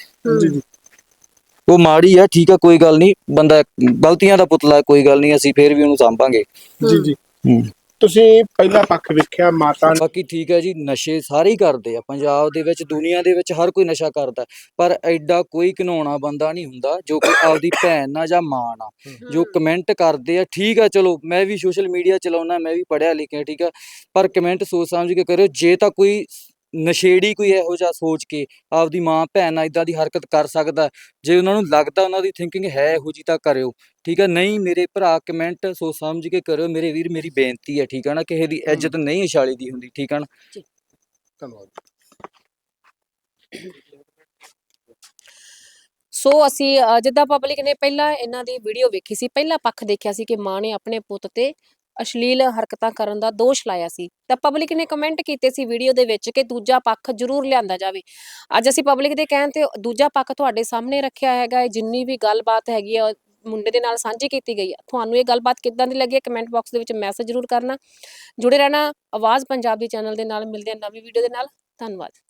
C: ਉਹ ਮਾੜੀ ਆ, ਠੀਕ ਆ, ਕੋਈ ਗੱਲ ਨਹੀਂ, ਬੰਦਾ ਗਲਤੀਆਂ ਦਾ ਪੁਤਲਾ, ਕੋਈ ਗੱਲ ਨਹੀਂ, ਅਸੀਂ ਫੇਰ ਵੀ ਉਹਨੂੰ ਸਾਂਭਾਂਗੇ।
B: ਜੀ। ਤੁਸੀਂ ਪਹਿਲਾ ਪੱਖ ਵੇਖਿਆ ਮਾਤਾ।
C: ਬਾਕੀ ਠੀਕ ਹੈ ਜੀ, ਨਸ਼ੇ ਸਾਰੇ ਹੀ ਕਰਦੇ ਆ ਪੰਜਾਬ ਦੇ ਵਿੱਚ, ਦੁਨੀਆ ਦੇ ਵਿੱਚ ਹਰ ਕੋਈ ਨਸ਼ਾ ਕਰਦਾ, ਪਰ ਐਡਾ ਕੋਈ ਘਿਨਾਉਣਾ ਬੰਦਾ ਨਹੀਂ ਹੁੰਦਾ ਜੋ ਕਿ ਆਪਦੀ ਭੈਣ ਨਾਲ ਜਾਂ ਮਾਂ ਨਾਲ ਜੋ ਕਮੈਂਟ ਕਰਦੇ ਆ। ਠੀਕ ਆ, ਚਲੋ ਮੈਂ ਵੀ ਸੋਸ਼ਲ ਮੀਡੀਆ ਚਲਾਉਣਾ, ਮੈਂ ਵੀ ਪੜ੍ਹਿਆ ਲਿਖਿਆ, ਠੀਕ ਆ, ਪਰ ਕਮੈਂਟ ਸੋਚ ਸਮਝ ਕੇ ਕਰਿਓ। ਜੇ ਤਾਂ ਕੋਈ ਨਸ਼ੇੜੀ ਕੋਈ ਇਹੋ ਜਿਹਾ ਸੋਚ ਕੇ ਆਪਦੀ ਮਾਂ ਭੈਣ ਨਾਲ ਇਦਾਂ ਦੀ ਹਰਕਤ ਕਰ ਸਕਦਾ, ਜੇ ਉਹਨਾਂ ਨੂੰ ਲੱਗਦਾ ਉਹਨਾਂ ਦੀ ਥਿੰਕਿੰਗ ਹੈ ਇਹੋ ਜਿਹੀ, ਤਾਂ ਕਰਿਓ। ਠੀਕ ਹੈ। ਨਹੀਂ ਮੇਰੇ ਭਰਾ, ਕਮੈਂਟ ਸੋਚ ਸਮਝ ਕੇ ਕਰਿਓ ਮੇਰੇ ਵੀਰ, ਮੇਰੀ ਬੇਨਤੀ ਹੈ। ਠੀਕ ਹੈ ਨਾ, ਕਿਸੇ ਦੀ ਇੱਜ਼ਤ ਨਹੀਂ ਉਛਾਲੀ ਦੀ ਹੁੰਦੀ। ਠੀਕ ਹੈ ਨਾ।
B: ਧੰਨਵਾਦ।
A: ਸੋ ਅਸੀਂ ਜਿੱਦਾਂ ਪਬਲਿਕ ਨੇ ਪਹਿਲਾਂ ਇਹਨਾਂ ਦੀ ਵੀਡੀਓ ਵੇਖੀ ਸੀ, ਪਹਿਲਾ ਪੱਖ ਦੇਖਿਆ ਸੀ ਕਿ ਮਾਂ ਨੇ ਆਪਣੇ ਪੁੱਤ ਤੇ ਅਸ਼ਲੀਲ ਹਰਕਤਾਂ ਕਰਨ ਦਾ ਦੋਸ਼ ਲਾਇਆ ਸੀ, ਤਾਂ ਪਬਲਿਕ ਨੇ ਕਮੈਂਟ ਕੀਤੇ ਸੀ ਵੀਡੀਓ ਦੇ ਵਿੱਚ ਕਿ ਦੂਜਾ ਪੱਖ ਜ਼ਰੂਰ ਲਿਆਂਦਾ ਜਾਵੇ। ਅੱਜ ਅਸੀਂ ਪਬਲਿਕ ਦੇ ਕਹਿਣ ਤੇ ਦੂਜਾ ਪੱਖ ਤੁਹਾਡੇ ਸਾਹਮਣੇ ਰੱਖਿਆ ਹੈਗਾ। ਜਿੰਨੀ ਵੀ ਗੱਲਬਾਤ ਹੈਗੀ ਆ ਮੁੰਡੇ ਦੇ ਨਾਲ ਸਾਂਝੀ ਕੀਤੀ ਗਈ ਆ। ਤੁਹਾਨੂੰ ਇਹ ਗੱਲਬਾਤ ਕਿੱਦਾਂ ਦੀ ਲੱਗੀ ਹੈ, ਕਮੈਂਟ ਬਾਕਸ ਦੇ ਵਿੱਚ ਮੈਸੇਜ ਜ਼ਰੂਰ ਕਰਨਾ। ਜੁੜੇ ਰਹਿਣਾ ਆਵਾਜ਼ ਪੰਜਾਬ ਦੀ ਚੈਨਲ ਦੇ ਨਾਲ। ਮਿਲਦੇ ਹਾਂ ਨਵੀਂ ਵੀਡੀਓ ਦੇ ਨਾਲ। ਧੰਨਵਾਦ।